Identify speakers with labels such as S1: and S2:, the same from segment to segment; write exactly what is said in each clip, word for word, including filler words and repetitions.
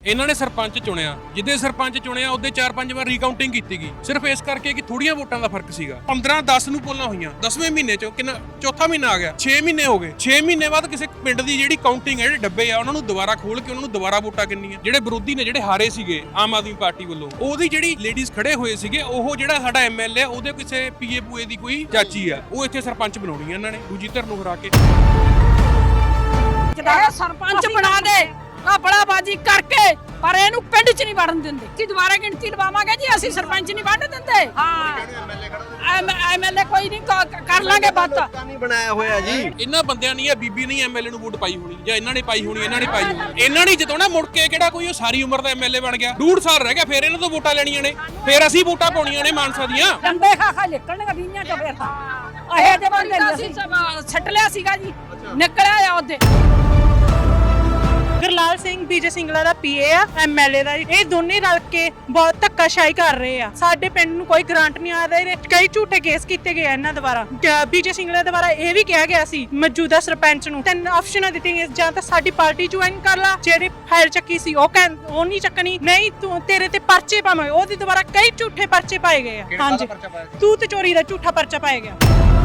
S1: ਇਹਨਾਂ ਨੇ ਸਰਪੰਚ ਚੁਣਿਆ, ਜਿੱਦੇ ਸਰਪੰਚ ਚੁਣਿਆ ਉਹਦੇ ਚਾਰ ਪੰਜ ਵਾਰ ਰੀਕਾਊਂਟਿੰਗ ਕੀਤੀ ਗਈ, ਸਿਰਫ ਇਸ ਕਰਕੇ ਕਿ ਥੋੜੀਆਂ ਵੋਟਾਂ ਦਾ ਫਰਕ ਸੀਗਾ। ਪੰਦਰਾਂ ਦਸ ਨੂੰ ਪੋਲਾਂ ਹੋਈਆਂ, ਦਸਵੇਂ ਮਹੀਨੇ ਚ ਕਿੰਨਾ ਚੌਥਾ ਮਹੀਨਾ ਆ ਗਿਆ, ਛੇ ਮਹੀਨੇ ਹੋ ਗਏ। ਛੇ ਮਹੀਨੇ ਬਾਅਦ ਕਿਸੇ ਪਿੰਡ ਦੀ ਜਿਹੜੀ ਕਾਊਂਟਿੰਗ ਹੈ, ਜਿਹੜੇ ਡੱਬੇ ਆ ਉਹਨਾਂ ਨੂੰ ਦੁਬਾਰਾ ਖੋਲ ਕੇ ਉਹਨਾਂ ਨੂੰ ਦੁਬਾਰਾ ਵੋਟਾਂ ਕਿੰਨੀਆਂ। ਜਿਹੜੇ ਵਿਰੋਧੀ ਨੇ, ਜਿਹੜੇ ਹਾਰੇ ਸੀਗੇ ਆਮ ਆਦਮੀ ਪਾਰਟੀ ਵੱਲੋਂ, ਉਹਦੀ ਜਿਹੜੀ ਲੇਡੀਜ਼ ਖੜੇ ਹੋਏ ਸੀਗੇ, ਉਹ ਜਿਹੜਾ ਸਾਡਾ ਐਮਐਲਏ ਉਹਦੇ ਕਿਸੇ ਪੀਏ ਪੂਏ ਦੀ ਕੋਈ ਚਾਚੀ ਆ, ਉਹ ਇੱਥੇ ਸਰਪੰਚ ਬਣਾਉਣੀ ਇਹਨਾਂ ਨੇ ਦੂਜੀ ਧਿਰ ਨੂੰ ਹਰਾ ਕੇ।
S2: ਸਰਪੰਚ ਬਣਾ ਦੇ ਕਪੜਾਬਾਜੀ ਕਰਕੇ, ਪਰ ਇਹਨੂੰ ਪਿੰਡ 'ਚ ਨਹੀਂ ਵੜਨ ਦਿੰਦੇ। ਅਸੀਂ ਦੁਬਾਰਾ ਗਿਣਤੀ ਲਵਾਵਾਂਗੇ ਜੀ, ਅਸੀਂ ਸਰਪੰਚ ਨਹੀਂ ਵੰਡ ਦਿੰਦੇ। ਹਾਂ ਐਮਐਲਏ ਕੋਈ ਨਹੀਂ, ਕਰ ਲਾਂਗੇ ਬਾਤ।
S3: ਨਹੀਂ ਬਣਾਇਆ ਹੋਇਆ ਜੀ
S1: ਇਹਨਾਂ ਬੰਦਿਆਂ ਨਹੀਂ, ਇਹ ਬੀਬੀ ਨਹੀਂ ਐਮਐਲਏ ਨੂੰ ਵੋਟ ਪਾਈ ਹੋਣੀ, ਜਾਂ ਇਹਨਾਂ ਨੇ ਪਾਈ ਹੋਣੀ, ਇਹਨਾਂ ਨੇ ਪਾਈ ਹੋਣੀ। ਇਹਨਾਂ ਨੇ ਜਿਤਾਉਣਾ, ਮੁੜ ਕੇ ਕਿਹੜਾ ਕੋਈ ਉਹ ਸਾਰੀ ਉਮਰ ਦਾ ਐਮਐਲਏ ਬਣ ਗਿਆ। ਡੂਢ ਸਾਲ ਰਹਿ ਗਿਆ, ਫਿਰ ਇਹਨਾਂ ਤੋਂ ਵੋਟਾਂ ਲੈਣੀਆਂ ਨੇ, ਫਿਰ ਅਸੀਂ ਵੋਟਾਂ ਪਾਉਣੀਆਂ ਨੇ ਮਾਨਸਾ ਦੀਆਂ।
S2: ਡੰਡੇ ਖਾ ਖਾ ਨਿਕਲਣਗੇ ਵੀਆਂ ਚੋਂ। ਫਿਰ ਤਾਂ ਇਹ ਦੇ ਬੰਦੇ ਨਹੀਂ, ਅਸੀਂ ਛੱਟ ਲਿਆ ਸੀਗਾ ਜੀ, ਨਿਕਲਿਆ ਆ ਉਹਦੇ।
S4: ਗੁਰਲਾਲ ਸਿੰਘ ਬੀਜੇ ਸਿੰਗਲਾ ਦਾ ਪੀਏ ਆ, ਐਮਐਲਏ ਦਾ। ਇਹ ਦੋਨੇ ਰਲ ਕੇ ਬਹੁਤ ਧੱਕਾਸ਼ਾਹੀ ਕਰ ਰਹੇ ਆ। ਸਾਡੇ ਪਿੰਡ ਨੂੰ ਕੋਈ ਗ੍ਰਾਂਟ ਨਹੀਂ ਆ ਰਹੀ। ਕਈ ਝੂਠੇ ਕੇਸ ਕੀਤੇ ਗਏ ਇਹਨਾਂ ਦੁਆਰਾ। ਬੀਜੇ ਸਿੰਗਲਾ ਦੁਆਰਾ ਇਹ ਵੀ ਕਿਹਾ ਗਿਆ ਸੀ ਮੌਜੂਦਾ ਸਰਪੰਚ ਨੂੰ, ਤਿੰਨ ਆਪਸ਼ਨਾਂ ਦਿੱਤੀਆਂ, ਜਾਂ ਤਾਂ ਸਾਡੀ ਪਾਰਟੀ ਜੁਆਇਨ ਕਰ ਲਾ, ਜਿਹੜੀ ਫਾਈਲ ਚੱਕੀ ਸੀ ਉਹ ਕਹਿੰ ਉਹ ਨਹੀਂ ਚੱਕਣੀ, ਨਹੀਂ ਤੂੰ ਤੇਰੇ ਤੇ ਪਰਚੇ ਪਾਵਾਂਗੇ। ਉਹਦੇ ਦੁਆਰਾ ਕਈ ਝੂਠੇ ਪਰਚੇ ਪਾਏ ਗਏ ਆ। ਹਾਂਜੀ, ਤੂੰ ਤੇ ਚੋਰੀ ਦਾ ਝੂਠਾ ਪਰਚਾ ਪਾਇਆ ਗਿਆ।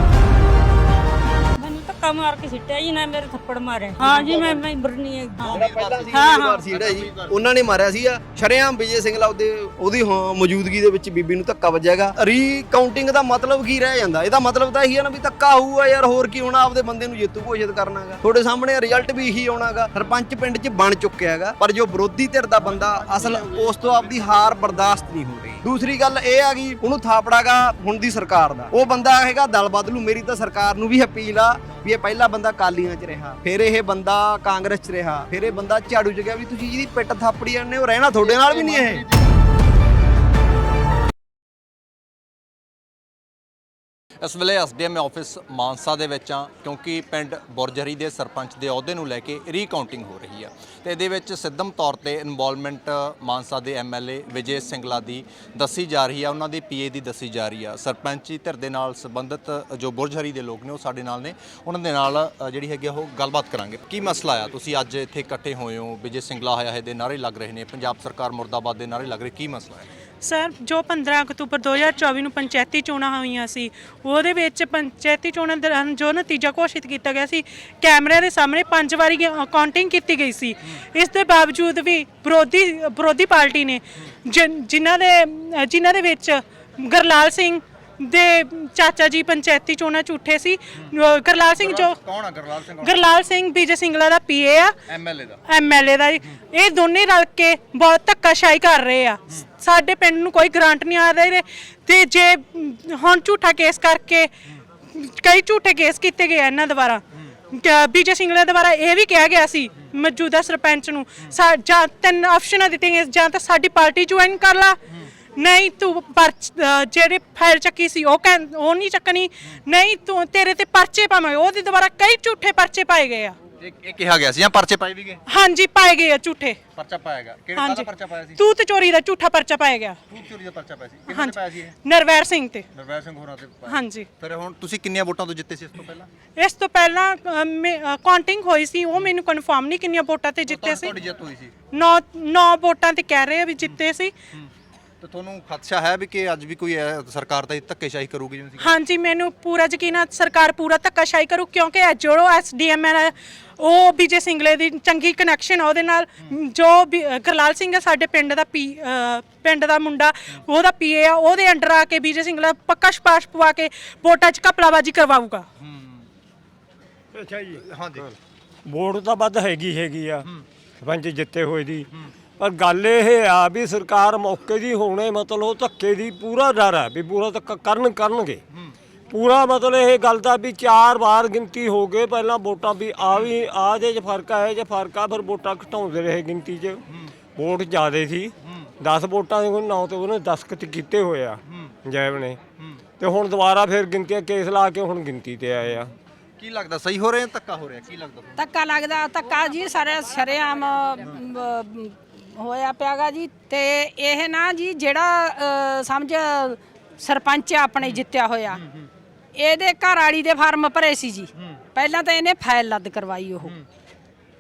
S5: ਧੱਕਾ ਮਾਰ ਕੇ ਸਿੱਟਿਆ ਜੀ, ਨਾ ਮੇਰੇ ਥੱਪੜ ਮਾਰਿਆ। ਹਾਂ ਜੀ, ਮੈਂ ਮੈਂਬਰ ਨਹੀਂ ਹੈ।
S3: ਪਹਿਲਾਂ ਸੀ ਵਾਰ ਸੀ ਜਿਹੜਾ ਜੀ ਉਹਨਾਂ ਨੇ ਮਾਰਿਆ ਸੀ। ਸ਼ਰੇਆਮ ਵਿਜੇ ਸਿੰਗਲਾ ਉਹਦੇ ਉਹਦੀ ਮੌਜੂਦਗੀ ਦੇ ਵਿੱਚ ਬੀਬੀ ਨੂੰ ਧੱਕਾ ਵੱਜੇਗਾ। ਰੀਕਾਊਂਟਿੰਗ ਦਾ ਮਤਲਬ ਕੀ ਰਹਿ ਜਾਂਦਾ? ਇਹਦਾ ਮਤਲਬ ਤਾਂ ਇਹੀ ਹੈ ਨਾ ਵੀ ਧੱਕਾ ਹੋਊਗਾ ਯਾਰ, ਹੋਰ ਕੀ ਹੋਣਾ। ਆਪਦੇ ਬੰਦੇ ਨੂੰ ਜੇਤੂ ਘੋਸ਼ਿਤ ਕਰਨਾਗਾ। ਤੁਹਾਡੇ ਸਾਹਮਣੇ ਰਿਜ਼ਲਟ ਵੀ ਇਹੀ ਆਉਣਾਗਾ। ਸਰਪੰਚ ਪਿੰਡ 'ਚ ਬਣ ਚੁੱਕਿਆ ਹੈਗਾ, ਪਰ ਜੋ ਵਿਰੋਧੀ ਧਿਰ ਦਾ ਬੰਦਾ ਅਸਲ ਉਸ ਤੋਂ ਆਪਦੀ ਹਾਰ ਬਰਦਾਸ਼ਤ ਨਹੀਂ ਹੋ ਰਹੀ। ਦੂਸਰੀ ਗੱਲ ਇਹ ਆ ਗਈ, ਉਹਨੂੰ ਥਾਪੜਾਗਾ ਹੁਣ ਦੀ ਸਰਕਾਰ ਦਾ। ਉਹ ਬੰਦਾ ਹੈਗਾ ਦਲ ਬਦਲੂ। ਮੇਰੀ ਤਾਂ ਸਰਕਾਰ ਨੂੰ ਵੀ ਅਪੀਲ ਆ ਵੀ ਇਹ ਪਹਿਲਾ ਬੰਦਾ ਕਾਲੀਆਂ 'ਚ ਰਿਹਾ, ਫਿਰ ਇਹ ਬੰਦਾ ਕਾਂਗਰਸ 'ਚ ਰਿਹਾ, ਫਿਰ ਇਹ ਬੰਦਾ ਝਾੜੂ 'ਚ ਗਿਆ, ਵੀ ਤੁਸੀਂ ਜਿਹਦੀ ਪਿੱਟ ਥਾਪੜੀ ਜਾਂਦੇ ਹੋ, ਰਹਿਣਾ ਤੁਹਾਡੇ ਨਾਲ ਵੀ ਨਹੀਂ ਇਹ।
S6: ਇਸ ਵੇਲੇ ਐਸਡੀਐਮ ਆਫਿਸ ਮਾਨਸਾ ਦੇ ਵਿੱਚ ਆ, ਕਿਉਂਕਿ ਪਿੰਡ ਬੁਰਜਹਰੀ ਦੇ ਸਰਪੰਚ ਦੇ ਅਹੁਦੇ ਨੂੰ ਲੈ ਕੇ ਰੀਕਾਊਂਟਿੰਗ ਹੋ ਰਹੀ ਆ, ਤੇ ਇਹਦੇ ਵਿੱਚ ਸਿੱਧਮ ਤੌਰ ਤੇ ਇਨਵੋਲਵਮੈਂਟ ਮਾਨਸਾ ਦੇ ਐਮਐਲਏ ਵਿਜੇ ਸਿੰਗਲਾ ਦੀ ਦੱਸੀ ਜਾ ਰਹੀ ਆ, ਉਹਨਾਂ ਦੇ ਪੀਏ ਦੀ ਦੱਸੀ ਜਾ ਰਹੀ ਆ। ਸਰਪੰਚੀ ਧਿਰ ਦੇ ਨਾਲ ਸੰਬੰਧਿਤ ਜੋ ਬੁਰਜਹਰੀ ਦੇ ਲੋਕ ਨੇ ਉਹ ਸਾਡੇ ਨਾਲ ਨੇ, ਉਹਨਾਂ ਦੇ ਨਾਲ ਜਿਹੜੀ ਹੈਗੀ ਉਹ ਗੱਲਬਾਤ ਕਰਾਂਗੇ। ਕੀ ਮਸਲਾ ਆ? ਤੁਸੀਂ ਅੱਜ ਇੱਥੇ ਇਕੱਠੇ ਹੋਏ ਹੋ, ਵਿਜੇ ਸਿੰਗਲਾ ਆਇਆ ਹੈ ਦੇ ਨਾਅਰੇ ਲੱਗ ਰਹੇ ਨੇ, ਪੰਜਾਬ ਸਰਕਾਰ ਮੁਰਦਾਬਾਦ ਦੇ ਨਾਅਰੇ ਲੱਗ ਰਹੇ, ਕੀ ਮਸਲਾ ਹੈ?
S4: ਸਰ, ਜੋ ਪੰਦਰਾਂ ਅਕਤੂਬਰ ਦੋ ਹਜ਼ਾਰ ਚੌਵੀ ਨੂੰ ਪੰਚਾਇਤੀ ਚੋਣਾਂ ਹੋਈਆਂ ਸੀ, ਉਹਦੇ ਵਿੱਚ ਪੰਚਾਇਤੀ ਚੋਣਾਂ ਦੌਰਾਨ ਜੋ ਨਤੀਜਾ ਘੋਸ਼ਿਤ ਕੀਤਾ ਗਿਆ ਸੀ, ਕੈਮਰਿਆਂ ਦੇ ਸਾਹਮਣੇ ਪੰਜ ਵਾਰੀ ਕਾਊਂਟਿੰਗ ਕੀਤੀ ਗਈ ਸੀ। ਇਸ ਦੇ ਬਾਵਜੂਦ ਵੀ ਵਿਰੋਧੀ ਵਿਰੋਧੀ ਪਾਰਟੀ ਨੇ, ਜਿਨ੍ਹਾਂ ਦੇ ਜਿਨ੍ਹਾਂ ਦੇ ਵਿੱਚ ਗੁਰਲਾਲ ਸਿੰਘ ਦੇ ਚਾਚਾ ਜੀ ਪੰਚਾਇਤੀ ਚੋਣਾਂ ਝੂਠੇ ਸੀ। ਗੁਰਲਾਲ ਸਿੰਘ ਜੋ
S6: ਕੌਣ ਆ? ਗੁਰਲਾਲ ਸਿੰਘ
S4: ਗੁਰਲਾਲ ਸਿੰਘ ਬੀਜੇ ਸਿੰਗਲਾ ਦਾ ਪੀਏ ਆ,
S6: ਐਮਐਲਏ ਦਾ
S4: ਐਮਐਲਏ ਦਾ। ਇਹ ਦੋਨੇ ਰਲ ਕੇ ਬਹੁਤ ਧੱਕਾਸ਼ਾਹੀ ਕਰ ਰਹੇ ਆ। ਸਾਡੇ ਪਿੰਡ ਨੂੰ ਕੋਈ ਗ੍ਰਾਂਟ ਨਹੀਂ ਆ ਰਹੀ, ਤੇ ਜੇ ਹੁਣ ਝੂਠਾ ਕੇਸ ਕਰਕੇ ਕਈ ਝੂਠੇ ਕੇਸ ਕੀਤੇ ਗਏ ਇਹਨਾਂ ਦੁਆਰਾ। ਬੀਜੇ ਸਿੰਗਲਾ ਦੁਆਰਾ ਇਹ ਵੀ ਕਿਹਾ ਗਿਆ ਸੀ ਮੌਜੂਦਾ ਸਰਪੰਚ ਨੂੰ, ਜਾਂ ਤਿੰਨ ਆਪਸ਼ਨਾਂ ਦਿੱਤੀਆਂ, ਜਾਂ ਤਾਂ ਸਾਡੀ ਪਾਰਟੀ ਜੁਆਇਨ ਕਰ ਲਾ, ਨਹੀਂ ਤੂੰ ਪਰਚ ਜਿਹੜੇ ਫਾਈਲ ਚੱਕੀ ਸੀ ਉਹ ਕਹਿੰ ਉਹ ਨਹੀਂ ਚੱਕਣੀ, ਨਹੀਂ ਤੂੰ ਤੇਰੇ ਤੇ ਪਰਚੇ ਪਾਵਾਂਗੇ। ਉਹਦੇ ਦੁਆਰਾ ਕਈ ਝੂਠੇ ਪਰਚੇ ਪਾਏ ਗਏ ਆ।
S6: ਇਹ ਕਿਹਾ ਗਿਆ ਸੀ ਜਾਂ ਪਰਚੇ ਪਾਏ ਵੀ ਗਏ?
S4: ਹਾਂਜੀ, ਪਾਏ ਗਏ ਆ ਝੂਠੇ
S6: ਪਰਚਾ ਪਾਏਗਾ। ਕਿਹੜਾ ਕਾਹਦਾ ਪਰਚਾ ਪਾਇਆ ਸੀ?
S4: ਤੂੰ ਤੇ ਚੋਰੀ ਦਾ ਝੂਠਾ ਪਰਚਾ ਪਾਇਆ ਗਿਆ।
S6: ਤੂੰ ਚੋਰੀ ਦਾ ਪਰਚਾ ਪਾਇਆ ਸੀ? ਕਿਹਨੇ ਪਾਇਆ ਸੀ ਇਹ?
S4: ਨਰਵੈਰ ਸਿੰਘ ਤੇ।
S6: ਨਰਵੈਰ ਸਿੰਘ ਹੋਰਾਂ ਤੇ ਪਾਇਆ।
S4: ਹਾਂਜੀ।
S6: ਫਿਰ ਹੁਣ ਤੁਸੀਂ ਕਿੰਨੀਆਂ ਵੋਟਾਂ ਤੋਂ ਜਿੱਤੇ ਸੀ ਇਸ ਤੋਂ ਪਹਿਲਾਂ?
S4: ਇਸ ਤੋਂ ਪਹਿਲਾਂ ਕਾਊਂਟਿੰਗ ਹੋਈ ਸੀ, ਉਹ ਮੈਨੂੰ ਕਨਫਰਮ ਨਹੀਂ ਕਿੰਨੀਆਂ ਵੋਟਾਂ ਤੇ ਜਿੱਤੇ ਸੀ।
S6: ਤੁਹਾਡੀ ਜਿੱਤ ਹੋਈ ਸੀ
S4: ਨੌ ਨੌ ਵੋਟਾਂ ਤੇ ਕਹਿ ਰਹੇ ਆ ਵੀ ਜਿੱਤੇ ਸੀ।
S6: ਤੇ ਤੁਹਾਨੂੰ ਖਦਸ਼ਾ ਹੈ ਵੀ ਕਿ ਅੱਜ ਵੀ ਕੋਈ ਸਰਕਾਰ ਤਾਂ ਧੱਕੇਸ਼ਾਹੀ ਕਰੂਗੀ ਜਿਵੇਂ ਸੀ?
S4: ਹਾਂਜੀ, ਮੈਨੂੰ ਪੂਰਾ ਯਕੀਨ ਹੈ ਸਰਕਾਰ ਪੂਰਾ ਧੱਕਾਸ਼ਾਹੀ ਕਰੂ, ਕਿਉਂਕਿ ਜੋ ਐਸਡੀਐਮ ਹੈ ਉਹ ਬੀਜੇ ਸਿੰਗਲੇ ਦੀ ਚੰਗੀ ਕਨੈਕਸ਼ਨ ਆ ਉਹਦੇ ਨਾਲ। ਜੋ ਗੁਰਲਾਲ ਸਿੰਘ ਹੈ ਸਾਡੇ ਪਿੰਡ ਦਾ ਪੀ ਪਿੰਡ ਦਾ ਮੁੰਡਾ, ਉਹਦਾ ਪੀਏ ਆ, ਉਹਦੇ ਅੰਡਰ ਆ ਕੇ ਬੀਜੇ ਸਿੰਗਲਾ ਪੱਕਾ ਸਪਾਸ਼ ਪਵਾ ਕੇ ਵੋਟਾਂ 'ਚ ਘਪਲਾਬਾਜੀ ਕਰਵਾਊਗਾ।
S7: ਅੱਛਾ ਜੀ,
S6: ਹਾਂਜੀ।
S7: ਵੋਟ ਤਾਂ ਵੱਧ ਹੈਗੀ ਹੈਗੀ ਆ ਸਰਪੰਚ ਜਿੱਤੇ ਹੋਏ ਦੀ, ਪਰ ਗੱਲ ਇਹ ਆ ਵੀ ਸਰਕਾਰ ਮੌਕੇ ਦੀ ਹੋਣੇ ਮਤਲਬ ਧੱਕੇ ਦੀ ਪੂਰਾ ਡਰ ਹੈ ਵੀ ਪੂਰਾ ਧੱਕਾ ਕਰਨ ਕਰਨਗੇ ਪੂਰਾ। ਮਤਲਬ ਇਹ ਗੱਲ ਦਾ ਵੀ ਚਾਰ ਵਾਰ ਗਿਣਤੀ ਹੋ ਗਏ ਪਹਿਲਾਂ ਵੋਟਾਂ ਵੀ ਆ ਵੀ ਆ ਜੇ ਫਰਕ ਹੈ ਜੇ ਫਰਕ ਆ, ਫਿਰ ਵੋਟਾਂ ਘਟਾਉਂਦੇ ਰਹੇ ਗਿਣਤੀ 'ਚ। ਵੋਟ ਜ਼ਿਆਦੇ ਸੀ, ਦਸ ਵੋਟਾਂ ਦੇ ਨੌ ਤੇ ਉਹਨੇ ਦਸਤਖਤ ਕੀਤੇ ਹੋਏ ਆ ਜੈਬ ਨੇ, ਤੇ ਹੁਣ ਦੁਬਾਰਾ ਫਿਰ ਗਿਣਤੀਆਂ ਕੇਸ ਲਾ ਕੇ ਹੁਣ ਗਿਣਤੀ ਤੇ ਆਏ ਆ।
S6: ਕੀ ਲੱਗਦਾ ਸਹੀ ਹੋ ਰਿਹਾ ਧੱਕਾ ਹੋ ਰਿਹਾ? ਕੀ ਲੱਗਦਾ
S2: ਧੱਕਾ ਲੱਗਦਾ? ਧੱਕਾ ਜੀ ਸਾਰੇ ਸ਼ਰੇਆਮ ਹੋਇਆ ਪਿਆਗਾ ਜੀ। ਤੇ ਇਹ ਨਾ ਜੀ ਜਿਹੜਾ ਸਮਝ ਸਰਪੰਚ ਆਪਣੇ ਜਿੱਤਿਆ ਹੋਇਆ, ਇਹਦੇ ਘਰ ਵਾਲੀ ਦੇ ਫਾਰਮ ਭਰੇ ਸੀ ਜੀ। ਪਹਿਲਾਂ ਤਾਂ ਇਹਨੇ ਫਾਈਲ ਲੱਦ ਕਰਵਾਈ, ਉਹ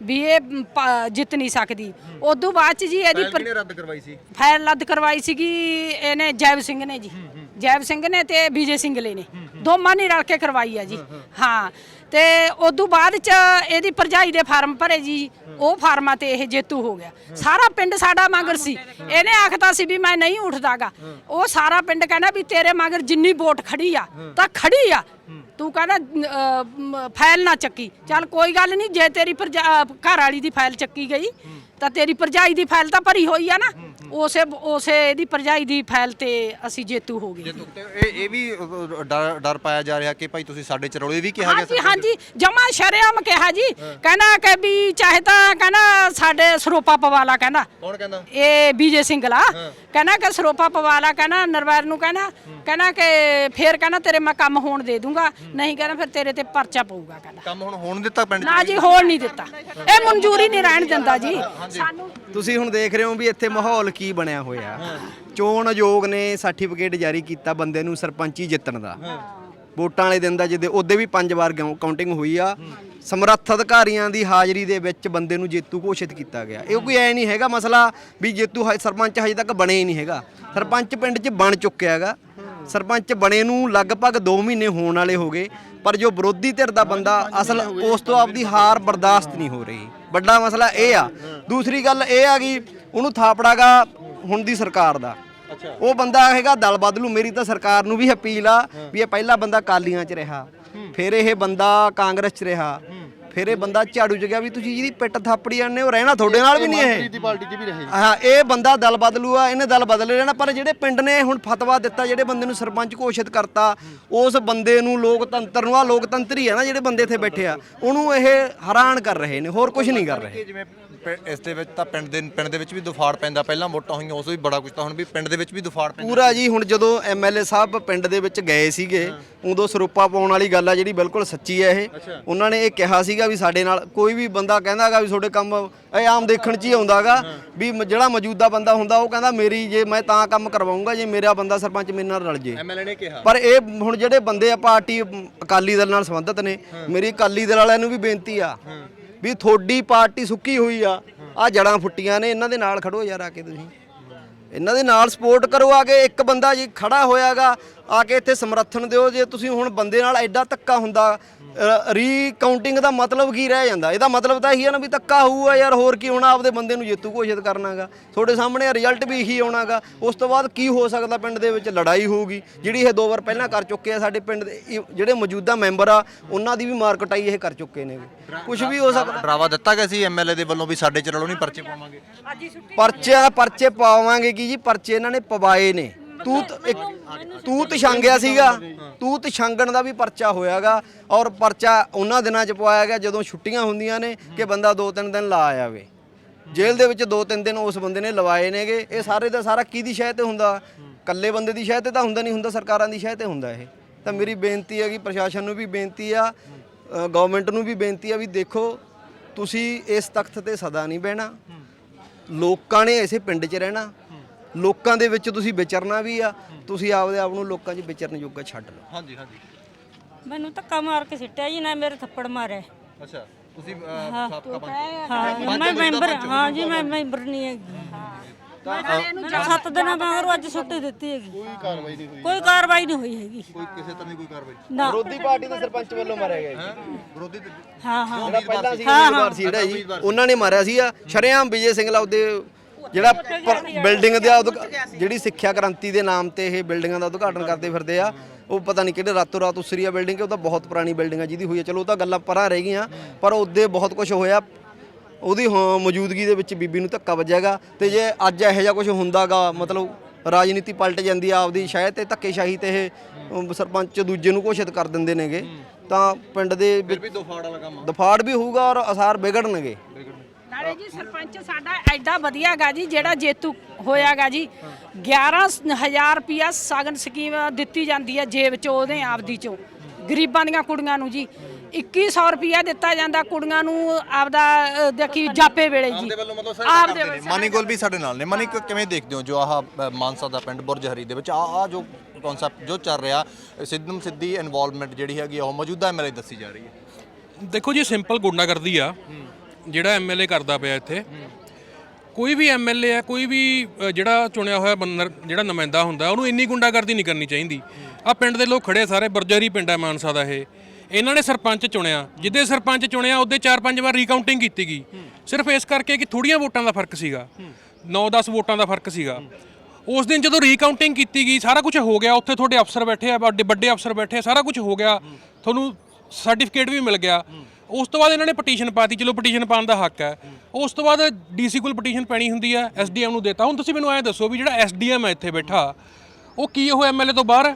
S2: ਵੀ ਇਹ ਪ- ਜਿੱਤ ਨਹੀਂ ਸਕਦੀ। ਉਦੋਂ ਬਾਅਦ ਚ ਜੀ ਇਹਦੀ ਪਰ-
S6: ਕਿਹਨੇ ਰੱਦ ਕਰਵਾਈ ਸੀ?
S2: ਫਾਈਲ ਰੱਦ ਕਰਵਾਈ ਸੀਗੀ ਇਹਨੇ ਜੈਬ ਸਿੰਘ ਨੇ ਜੀ, ਜੈਬ ਸਿੰਘ ਨੇ ਤੇ ਵਿਜੇ ਸਿੰਘਲੇ ਨੇ, ਦੋਵਾਂ ਨੇ ਰਲ ਕੇ ਕਰਵਾਈ ਆ ਜੀ। ਹਾਂ ਤੇ ਉਦੋਂ ਬਾਅਦ ਚ ਇਹਦੀ ਭਰਜਾਈ ਦੇ ਫਾਰਮ ਭਰੇ ਜੀ, ਉਹ ਫਾਰਮਾਂ ਤੇ ਇਹ ਜੇਤੂ ਹੋ ਗਿਆ। ਸਾਰਾ ਪਿੰਡ ਸਾਡਾ ਮਗਰ ਸੀ, ਇਹਨੇ ਆਖਦਾ ਸੀ ਵੀ ਮੈਂ ਨਹੀਂ ਉੱਠਦਾਗਾ, ਉਹ ਸਾਰਾ ਪਿੰਡ ਕਹਿੰਦਾ ਵੀ ਤੇਰੇ ਮਗਰ ਜਿੰਨੀ ਵੋਟ ਖੜੀ ਆ ਤਾਂ ਖੜੀ ਆ, ਤੂੰ ਕਹਿੰਦਾ ਅਹ, ਮ, ਫਾਈਲ ਨਾ ਚੱਕੀ। ਚੱਲ ਕੋਈ ਗੱਲ ਨਹੀਂ, ਜੇ ਤੇਰੀ ਭਰਜਾ- ਘਰ ਵਾਲੀ ਦੀ ਫਾਈਲ ਚੱਕੀ ਗਈ ਤਾਂ ਤੇਰੀ ਭਰਜਾਈ ਦੀ ਫਾਈਲ ਤਾਂ ਭਰੀ ਹੋਈ ਆ ਨਾ, ਉਸੇ ਉਸੇ ਇਹਦੀ ਭਰਜਾਈ ਦੀ ਫਾਈਲ ਤੇ ਅਸੀਂ ਜੇਤੂ ਹੋ ਗਏ।
S6: ਤੇ ਇਹ ਇਹ ਵੀ ਅ, ਡਰ ਡਰ ਪਾਇਆ ਜਾ ਰਿਹਾ ਕਿ ਭਾਈ ਤੁਸੀਂ ਸਾਡੇ ਚਰੋਲੇ ਵੀ ਕਿਹਾ ਗਿਆ
S2: ਹਾਂਜੀ ਹਾਂਜੀ ਜਮਾ ਸ਼ਰੇਆਮ ਕਿਹਾ ਜੀ, ਕਹਿੰਦਾ ਕਿ ਵੀ ਚਾਹੇ ਤਾਂ ਕਹਿੰਦਾ ਸਾਡੇ ਸਰੋਪਾ ਪਵਾ ਲਾ, ਕਹਿੰਦਾ
S6: ਕੌਣ ਕਹਿੰਦਾ?
S2: ਇਹ ਵਿਜੇ ਸਿੰਘਲਾ ਕਹਿੰਦਾ ਕਿ ਸਰੋਪਾ ਪਵਾ ਲਾ, ਕਹਿੰਦਾ ਨਰਵੈਰ ਨੂੰ ਕਹਿੰਦਾ ਕਹਿੰਦਾ ਕਿ ਫੇਰ ਕਹਿੰਦਾ ਤੇਰੇ ਮੈਂ ਕੰਮ ਹੋਣ ਦੇ ਦੂੰਗਾ, ਨਹੀਂ ਕਹਿੰਦਾ ਫਿਰ ਤੇਰੇ ਤੇ ਪਰਚਾ ਪਊਗਾ। ਕਹਿੰਦਾ
S6: ਕੰਮ ਹੁਣ ਹੋਣ ਦਿੱਤਾ ਪਿੰਡ 'ਚ?
S2: ਨਾ ਜੀ ਹੋਣ ਨਹੀਂ ਦਿੱਤਾ, ਇਹ ਮਨਜ਼ੂਰੀ ਨਹੀਂ ਰਹਿਣ ਦਿੰਦਾ ਜੀ ਸਾਨੂੰ।
S3: ਤੁਸੀਂ ਹੁਣ ਦੇਖ ਰਹੇ ਹੋ ਵੀ ਇੱਥੇ ਮਾਹੌਲ ਕੀ ਬਣਿਆ ਹੋਇਆ। ਚੋਣ ਆਯੋਗ ਨੇ ਸਰਟੀਫਿਕੇਟ ਜਾਰੀ ਕੀਤਾ ਬੰਦੇ ਨੂੰ ਸਰਪੰਚੀ ਜਿੱਤਣ ਦਾ, ਵੋਟਾਂ ਵਾਲੇ ਦਿਨ ਦਾ, ਜਿਹਦੇ ਉਹਦੇ ਵੀ ਪੰਜ ਵਾਰ ਕਾਊਂਟਿੰਗ ਹੋਈ ਆ। ਸਮਰੱਥ ਅਧਿਕਾਰੀਆਂ ਦੀ ਹਾਜ਼ਰੀ ਦੇ ਵਿੱਚ ਬੰਦੇ ਨੂੰ ਜੇਤੂ ਘੋਸ਼ਿਤ ਕੀਤਾ ਗਿਆ। ਇਹ ਕੋਈ ਐ ਨਹੀਂ ਹੈਗਾ ਮਸਲਾ ਵੀ ਜੇਤੂ ਹ- ਸਰਪੰਚ ਹਜੇ ਤੱਕ ਬਣੇ ਹੀ ਨਹੀਂ ਹੈਗਾ। ਸਰਪੰਚ ਪਿੰਡ 'ਚ ਬਣ ਚੁੱਕਿਆ ਹੈਗਾ। ਸਰਪੰਚ ਬਣੇ ਨੂੰ ਲਗਭਗ ਦੋ ਮਹੀਨੇ ਹੋਣ ਵਾਲੇ ਹੋ ਗਏ, ਪਰ ਜੋ ਵਿਰੋਧੀ ਧਿਰ ਦਾ ਬੰਦਾ ਅਸਲ ਉਸ ਤੋਂ ਆਪਦੀ ਹਾਰ ਬਰਦਾਸ਼ਤ ਨਹੀਂ ਹੋ ਰਹੀ। ਵੱਡਾ ਮਸਲਾ ਇਹ ਆ। ਦੂਸਰੀ ਗੱਲ ਇਹ ਆ ਕਿ ਉਹਨੂੰ ਥਾਪੜਾਗਾ ਹੁਣ ਦੀ ਸਰਕਾਰ ਦਾ, ਉਹ ਬੰਦਾ ਹੈਗਾ ਦਲ ਬਦਲੂ। ਮੇਰੀ ਤਾਂ ਸਰਕਾਰ ਨੂੰ ਵੀ ਅਪੀਲ ਆ ਵੀ ਇਹ ਪਹਿਲਾ ਬੰਦਾ ਅਕਾਲੀਆਂ 'ਚ ਰਿਹਾ, ਫਿਰ ਇਹ ਬੰਦਾ ਕਾਂਗਰਸ 'ਚ ਰਿਹਾ, ਫਿਰ ਇਹ ਬੰਦਾ ਝਾੜੂ 'ਚ ਗਿਆ। ਵੀ ਤੁਸੀਂ ਜਿਹਦੀ ਪਿੱਟ ਥਾਪੜੀ ਜਾਂਦੇ ਹੋ, ਰਹਿਣਾ ਤੁਹਾਡੇ ਨਾਲ ਵੀ ਨਹੀਂ ਇਹ
S8: ਪਾਰਟੀ 'ਚ ਵੀ ਰਹੇ।
S3: ਹਾਂ ਇਹ ਬੰਦਾ ਦਲ ਬਦਲੂ ਆ, ਇਹਨੇ ਦਲ ਬਦਲੇ ਰਹਿਣਾ। ਪਰ ਜਿਹੜੇ ਪਿੰਡ ਨੇ ਹੁਣ ਫਤਵਾ ਦਿੱਤਾ, ਜਿਹੜੇ ਬੰਦੇ ਨੂੰ ਸਰਪੰਚ ਘੋਸ਼ਿਤ ਕਰਤਾ, ਉਸ ਬੰਦੇ ਨੂੰ ਲੋਕਤੰਤਰ ਨੂੰ, ਆ ਲੋਕਤੰਤਰ ਹੀ ਆ ਨਾ ਜਿਹੜੇ ਬੰਦੇ ਇੱਥੇ ਬੈਠੇ ਆ, ਉਹਨੂੰ ਇਹ ਹੈਰਾਨ ਕਰ ਰਹੇ ਨੇ, ਹੋਰ ਕੁਝ ਨਹੀਂ ਕਰ ਰਹੇ।
S6: ਜਿਵੇਂ ਪਿੰ- ਇਸ ਦੇ ਵਿੱਚ ਤਾਂ ਪਿੰਡ ਦੇ ਪਿੰਡ ਦੇ ਵਿੱਚ ਵੀ ਦੁਫਾੜ ਪੈਂਦਾ, ਪਹਿਲਾਂ ਵੋਟਾਂ ਹੋਈਆਂ ਉਸ ਵੀ ਬੜਾ ਕੁਝ, ਤਾਂ ਹੁਣ ਵੀ ਪਿੰਡ ਦੇ ਵਿੱਚ ਵੀ ਦੁਫਾੜ ਪੈਂਦਾ
S3: ਪੂਰਾ ਜੀ। ਹੁਣ ਜਦੋਂ ਐਮਐਲਏ ਸਾਹਿਬ ਪਿੰਡ ਦੇ ਵਿੱਚ ਗਏ ਸੀਗੇ, ਉਦੋਂ ਸਰੋਪਾ ਪਾਉਣ ਵਾਲੀ ਗੱਲ ਆ ਜਿਹੜੀ ਬਿਲਕੁਲ ਸੱਚੀ ਹੈ ਇਹ। ਉਹਨਾਂ ਨੇ ਇਹ ਕਿਹਾ ਸੀਗਾ ਵੀ ਸਾਡੇ ਨਾਲ ਕੋਈ ਵੀ ਬੰਦਾ ਕਹਿੰਦਾਗਾ ਵੀ ਤੁਹਾਡੇ ਕੰਮ ਇਹ ਆਮ ਦੇਖਣ 'ਚ ਹੀ ਆਉਂਦਾਗਾ ਵੀ ਮ- ਜਿਹੜਾ ਮੌਜੂਦਾ ਬੰਦਾ ਹੁੰਦਾ ਉਹ ਕਹਿੰਦਾ ਮੇਰੀ ਜੇ ਮੈਂ ਤਾਂ ਕੰਮ ਕਰਵਾਉਂਗਾ ਜੇ ਮੇਰਾ ਬੰਦਾ ਸਰਪੰਚ ਮੇਰੇ ਨਾਲ ਰਲ ਜੇ।
S6: ਐਮਐਲਏ ਨੇ ਕਿਹਾ।
S3: ਪਰ ਇਹ ਹੁਣ ਜਿਹੜੇ ਬੰਦੇ ਆ ਪਾਰਟੀ ਅਮ, ਅਕਾਲੀ ਦਲ ਨਾਲ ਸੰਬੰਧਿਤ ਨੇ, ਮੇਰੀ ਅਕਾਲੀ ਦਲ ਵਾਲਿਆਂ ਨੂੰ ਵੀ ਬੇਨਤੀ ਆ ਵੀ ਤੁਹਾਡੀ ਪਾਰਟੀ ਸੁੱਕੀ ਹੋਈ ਆ, ਆ ਜੜਾਂ ਫੁੱਟੀਆਂ ਨੇ, ਇਹਨਾਂ ਦੇ ਨਾਲ ਖੜੋ ਯਾਰ, ਆ ਕੇ ਤੁਸੀਂ ਇਹਨਾਂ ਦੇ ਨਾਲ ਸਪੋਰਟ ਕਰੋ। ਆ ਕੇ ਇੱਕ ਬੰਦਾ ਜੀ ਖੜਾ ਹੋਇਆਗਾ, ਆ ਕੇ ਇੱਥੇ ਸਮਰਥਨ ਦਿਓ। ਜੇ ਤੁਸੀਂ ਹੁਣ ਬੰਦੇ ਨਾਲ ਐਡਾ ਧੱਕਾ ਹੁੰਦਾ, ਰੀ ਕਾਊਂਟਿੰਗ ਦਾ ਮਤਲਬ ਕੀ ਰਹਿ ਜਾਂਦਾ? ਇਹਦਾ ਮਤਲਬ ਤਾਂ ਇਹੀ ਆ ਨਾ ਵੀ ਧੱਕਾ ਹੋਊਗਾ ਯਾਰ, ਹੋਰ ਕੀ ਹੋਣਾ? ਆਪਦੇ ਬੰਦੇ ਨੂੰ ਜੇਤੂ ਘੋਸ਼ਿਤ ਕਰਨਾਗਾ, ਤੁਹਾਡੇ ਸਾਹਮਣੇ ਰਿਜ਼ਲਟ ਵੀ ਇਹੀ ਆਉਣਾਗਾ। ਉਸ ਤੋਂ ਬਾਅਦ ਕੀ ਹੋ ਸਕਦਾ? ਪਿੰਡ ਦੇ ਵਿੱਚ ਲੜਾਈ ਹੋਊਗੀ, ਜਿਹੜੀ ਇਹ ਦੋ ਵਾਰ ਪਹਿਲਾਂ ਕਰ ਚੁੱਕੇ ਆ। ਸਾਡੇ ਪਿੰਡ ਦੇ ਇਹ ਜਿਹੜੇ ਮੌਜੂਦਾ ਮੈਂਬਰ ਆ, ਉਹਨਾਂ ਦੀ ਵੀ ਮਾਰ ਕਟਾਈ ਇਹ ਕਰ ਚੁੱਕੇ ਨੇ। ਕੁਝ ਵੀ ਹੋ ਸਕਦਾ।
S6: ਡਰਾਵਾ ਦਿੱਤਾ ਗਿਆ ਸੀ ਐਮਐਲਏ ਦੇ ਵੱਲੋਂ ਵੀ ਸਾਡੇ ਚਰੋਲੋਂ ਨਹੀਂ ਪਰਚੇ ਪਾਵਾਂਗੇ।
S3: ਪਰਚੇ ਪਰਚੇ ਪਾਵਾਂਗੇ ਕੀ ਜੀ? ਪਰਚੇ ਇਹਨਾਂ ਨੇ ਪਵਾਏ ਨੇ। ਤੂਤ ਇੱਕ ਤੂਤ ਛਾਂਗਿਆ ਸੀਗਾ, ਤੂਤ ਛਾਂਗਣ ਦਾ ਵੀ ਪਰਚਾ ਹੋਇਆਗਾ, ਔਰ ਪਰਚਾ ਉਹਨਾਂ ਦਿਨਾਂ 'ਚ ਪਵਾਇਆ ਗਿਆ ਜਦੋਂ ਛੁੱਟੀਆਂ ਹੁੰਦੀਆਂ ਨੇ ਕਿ ਬੰਦਾ ਦੋ ਤਿੰਨ ਦਿਨ ਲਾ ਆਵੇ। ਜੇਲ੍ਹ ਦੇ ਵਿੱਚ ਦੋ ਤਿੰਨ ਦਿਨ ਉਸ ਬੰਦੇ ਨੇ ਲਵਾਏ ਨੇਗੇ। ਇਹ ਸਾਰੇ ਦਾ ਸਾਰਾ ਕਿਹਦੀ ਸ਼ਹਿ ਤੇ ਹੁੰਦਾ? ਇਕੱਲੇ ਬੰਦੇ ਦੀ ਸ਼ਹਿ ਤੇ ਤਾਂ ਹੁੰਦਾ ਨਹੀਂ, ਹੁੰਦਾ ਸਰਕਾਰਾਂ ਦੀ ਸ਼ਹਿ ਤੇ ਹੁੰਦਾ ਇਹ। ਤਾਂ ਮੇਰੀ ਬੇਨਤੀ ਹੈ ਕਿ ਪ੍ਰਸ਼ਾਸਨ ਨੂੰ ਵੀ ਬੇਨਤੀ ਆ, ਗਵਰਨਮੈਂਟ ਨੂੰ ਵੀ ਬੇਨਤੀ ਆ ਵੀ ਦੇਖੋ, ਤੁਸੀਂ ਇਸ ਤਖਤ ਤੇ ਸਦਾ ਨਹੀਂ ਬਹਿਣਾ। ਲੋਕਾਂ ਨੇ ਇਸੇ ਪਿੰਡ 'ਚ ਰਹਿਣਾ, ਲੋਕਾਂ ਦੇ ਵਿੱਚ ਤੁਸੀਂ ਵਿਚਰਨਾ ਵੀ ਆ। ਤੁਸੀਂ ਆਪਦੇ ਆਪ ਨੂੰ ਲੋਕਾਂ 'ਚ ਵਿਚਰਨ ਜੋਗਾ ਛੱਡ ਲਓ।
S6: ਹਾਂਜੀ ਹਾਂਜੀ।
S5: ਮੈਨੂੰ ਧੱਕਾ ਮਾਰ ਕੇ ਸਿੱਟਿਆ ਜੀ, ਨਾ ਮੇਰੇ ਥੱਪੜ ਮਾਰਿਆ।
S6: ਅੱਛਾ, ਤੁਸੀਂ ਸਾਬਕਾ ਪੰਚ?
S5: ਹਾਂ ਮੈਂ ਮੈਂਬਰ, ਹਾਂ ਜੀ ਮੈਂ ਮੈਂਬਰ ਨਹੀਂ ਹੈਗੀ। ਮੈਨੂੰ ਸੱਤ ਦਿਨਾਂ ਮਗਰੋਂ ਅੱਜ ਛੁੱਟੀ ਦਿੱਤੀ ਹੈਗੀ।
S8: ਕੋਈ ਕਾਰਵਾਈ ਨਹੀਂ ਹੋਈ।
S5: ਕੋਈ ਕਾਰਵਾਈ ਨਹੀਂ ਹੋਈ ਹੈਗੀ।
S6: ਕੋਈ ਕਿਸੇ ਤਰ੍ਹਾਂ ਦੀ ਕੋਈ ਕਾਰਵਾਈ?
S5: ਨਾ
S3: ਵਿਰੋਧੀ ਪਾਰਟੀ ਦੇ ਸਰਪੰਚ ਵੱਲੋਂ ਮਾਰਿਆ ਗਿਆ ਜੀ।
S6: ਵਿਰੋਧੀ ਤੇ-
S5: ਹਾਂ ਹਾਂ
S3: ਜਿਹੜਾ ਪਹਿਲਾਂ ਸੀ ਉਮੀਦਵਾਰ ਸੀ ਜਿਹੜਾ ਜੀ, ਉਹਨਾਂ ਨੇ ਮਾਰਿਆ ਸੀ ਆ ਸ਼ਰੇਆਮ ਵਿਜੇ ਸਿੰਘਲਾ। ਉਹਦੇ ਜਿਹੜਾ ਬਿਲਡਿੰਗ ਦਾ ਉਦਘਾ- ਜਿਹੜੀ ਸਿੱਖਿਆ ਕ੍ਰਾਂਤੀ ਦੇ ਨਾਮ ਤੇ ਇਹ ਬਿਲਡਿੰਗਾਂ ਦਾ ਉਦਘਾਟਨ ਕਰਦੇ ਫਿਰਦੇ ਆ, ਉਹ ਪਤਾ ਨਹੀਂ ਕਿਹੜੇ ਰਾਤੋਂ ਰਾਤ ਉਸਰੀ ਆ ਬਿਲਡਿੰਗ। ਉਹ ਤਾਂ ਬਹੁਤ ਪੁਰਾਣੀ ਬਿਲਡਿੰਗ ਆ ਜਿਹਦੀ ਹੋਈ ਆ। ਚਲੋ ਉਹ ਤਾਂ ਗੱਲਾਂ ਪਰਾਂ ਰਹਿ ਗਈਆਂ, ਪਰ ਉਹਦੇ ਬਹੁਤ ਕੁਝ ਹੋਇਆ। ਉਹਦੀ ਹਾਂ ਮੌਜੂਦਗੀ ਦੇ ਵਿੱਚ ਬੀਬੀ ਨੂੰ ਧੱਕਾ ਵੱਜੇਗਾ। ਤੇ ਜੇ ਅੱਜ ਇਹੋ ਜਿਹਾ ਕੁਝ ਹੁੰਦਾਗਾ, ਮਤਲਬ ਰਾਜਨੀਤੀ ਪਲਟ ਜਾਂਦੀ ਆ ਆਪਦੀ ਸ਼ਾਇਦ ਤੇ ਧੱਕੇਸ਼ਾਹੀ ਤੇ ਇਹ ਸਰਪੰਚ ਦੂਜੇ ਨੂੰ ਘੋਸ਼ਿਤ ਕਰ ਦਿੰਦੇ ਨੇਗੇ, ਤਾਂ ਪਿੰਡ ਦੇ ਵਿੱਚ
S6: ਵੀ ਦੁਫਾੜ ਵਾਲਾ ਕੰਮ।
S3: ਦਫਾੜ ਵੀ ਹੋਊਗਾ ਔਰ ਅਸਾਰ ਵਿਗੜਨਗੇ।
S2: ਨਾਲੇ ਜੀ ਸਰਪੰਚ ਸਾਡਾ ਐਡਾ ਵਧੀਆਗਾ ਜੀ, ਜਿਹੜਾ ਜੇਤੂ ਹੋਇਆਗਾ ਜੀ। ਗਿਆਰਾਂ ਹਜ਼ਾਰ ਰੁਪਿਆ ਸਾਗਨ ਸਕੀਮ ਦਿੱਤੀ ਜਾਂਦੀ ਹੈ ਜੇਬ ਚੋਂ, ਉਹਦੇ ਆਪਦੀ ਚੋਂ, ਗਰੀਬਾਂ ਦੀਆਂ ਕੁੜੀਆਂ ਨੂੰ ਜੀ। ਇੱਕੀ ਸੌ ਰੁਪਿਆ ਦਿੱਤਾ ਜਾਂਦਾ ਕੁੜੀਆਂ ਨੂੰ ਆਪਦਾ ਅ, ਦੇਖੀ ਜਾਪੇ ਵੇਲੇ ਜੀ। ਆਪਦੇ ਵੱਲੋਂ।
S6: ਮਨੀ ਗੋਲ ਵੀ ਸਾਡੇ ਨਾਲ ਨੇ। ਮਨੀ ਕ- ਕਿਵੇਂ ਦੇਖਦੇ ਹੋ ਜੋ ਆਹ ਅ, ਮਾਨਸਾ ਦਾ ਪਿੰਡ ਬੁਰਜ ਹਰੀ ਦੇ ਵਿੱਚ ਆ ਆ ਜੋ ਕਨਸੈਪਟ ਜੋ ਚੱਲ ਰਿਹਾ, ਸਿੱਧਮ ਸਿੱਧੀ ਇਨਵੋਲਵਮੈਂਟ ਜਿਹੜੀ ਹੈਗੀ ਆ ਉਹ ਮੌਜੂਦਾ ਐਮਐਲਏ ਦੱਸੀ ਜਾ ਰਹੀ ਹੈ?
S1: ਦੇਖੋ ਜੀ, ਸਿੰਪਲ ਗੁੰਡਾਗਰਦੀ ਆ। ਜਿਹੜਾ ਐਮਐਲਏ ਕਰਦਾ ਪਿਆ ਇੱਥੇ, ਕੋਈ ਵੀ ਐਮਐਲਏ ਹੈ, ਕੋਈ ਵੀ ਅ, ਜਿਹੜਾ ਚੁਣਿਆ ਹੋਇਆ ਬੰਦਾ ਜਿਹੜਾ ਨੁਮਾਇੰਦਾ ਹੁੰਦਾ ਉਹਨੂੰ ਇੰਨੀ ਗੁੰਡਾਗਰਦੀ ਨਹੀਂ ਕਰਨੀ ਚਾਹੀਦੀ। ਆ ਪਿੰਡ ਦੇ ਲੋਕ ਖੜੇ ਸਾਰੇ, ਬਰਜਰੀ ਪਿੰਡ ਹੈ ਮਾਨਸਾ ਦਾ ਇਹ, ਇਹਨਾਂ ਨੇ ਸਰਪੰਚ ਚੁਣਿਆ, ਜਿੱਦੇ ਸਰਪੰਚ ਚੁਣਿਆ ਉਹਦੇ ਚਾਰ ਪੰਜ ਵਾਰ ਰੀਕਾਊਂਟਿੰਗ ਕੀਤੀ ਗਈ, ਸਿਰਫ ਇਸ ਕਰਕੇ ਕਿ ਥੋੜੀਆਂ ਵੋਟਾਂ ਦਾ ਫਰਕ ਸੀਗਾ, ਨੌ ਦਸ ਵੋਟਾਂ ਦਾ ਫਰਕ ਸੀਗਾ। ਉਸ ਦਿਨ ਜਦੋਂ ਰੀਕਾਊਂਟਿੰਗ ਕੀਤੀ ਗਈ, ਸਾਰਾ ਕੁਝ ਹੋ ਗਿਆ, ਉੱਥੇ ਤੁਹਾਡੇ ਅਫਸਰ ਬੈਠੇ ਆ, ਵੱਡੇ ਵੱਡੇ ਅਫਸਰ ਬੈਠੇ ਆ, ਸਾਰਾ ਕੁਝ ਹੋ ਗਿਆ, ਤੁਹਾਨੂੰ ਸਰਟੀਫਿਕੇਟ ਵੀ ਮਿਲ ਗਿਆ। ਉਸ ਤੋਂ ਬਾਅਦ ਇਹਨਾਂ ਨੇ ਪਟੀਸ਼ਨ ਪਾਤੀ, ਚਲੋ ਪਟੀਸ਼ਨ ਪਾਉਣ ਦਾ ਹੱਕ ਹੈ। ਉਸ ਤੋਂ ਬਾਅਦ ਡੀਸੀ ਕੋਲ ਪਟੀਸ਼ਨ ਪੈਣੀ ਹੁੰਦੀ ਹੈ, ਐਸਡੀਐਮ ਨੂੰ ਦੇਤਾ। ਹੁਣ ਤੁਸੀਂ ਮੈਨੂੰ ਐਂ ਦੱਸੋ ਵੀ ਜਿਹੜਾ ਐਸਡੀਐਮ ਹੈ ਇੱਥੇ ਬੈਠਾ, ਉਹ ਕੀ ਉਹ ਐਮਐਲਏ ਤੋਂ ਬਾਹਰ ਹੈ?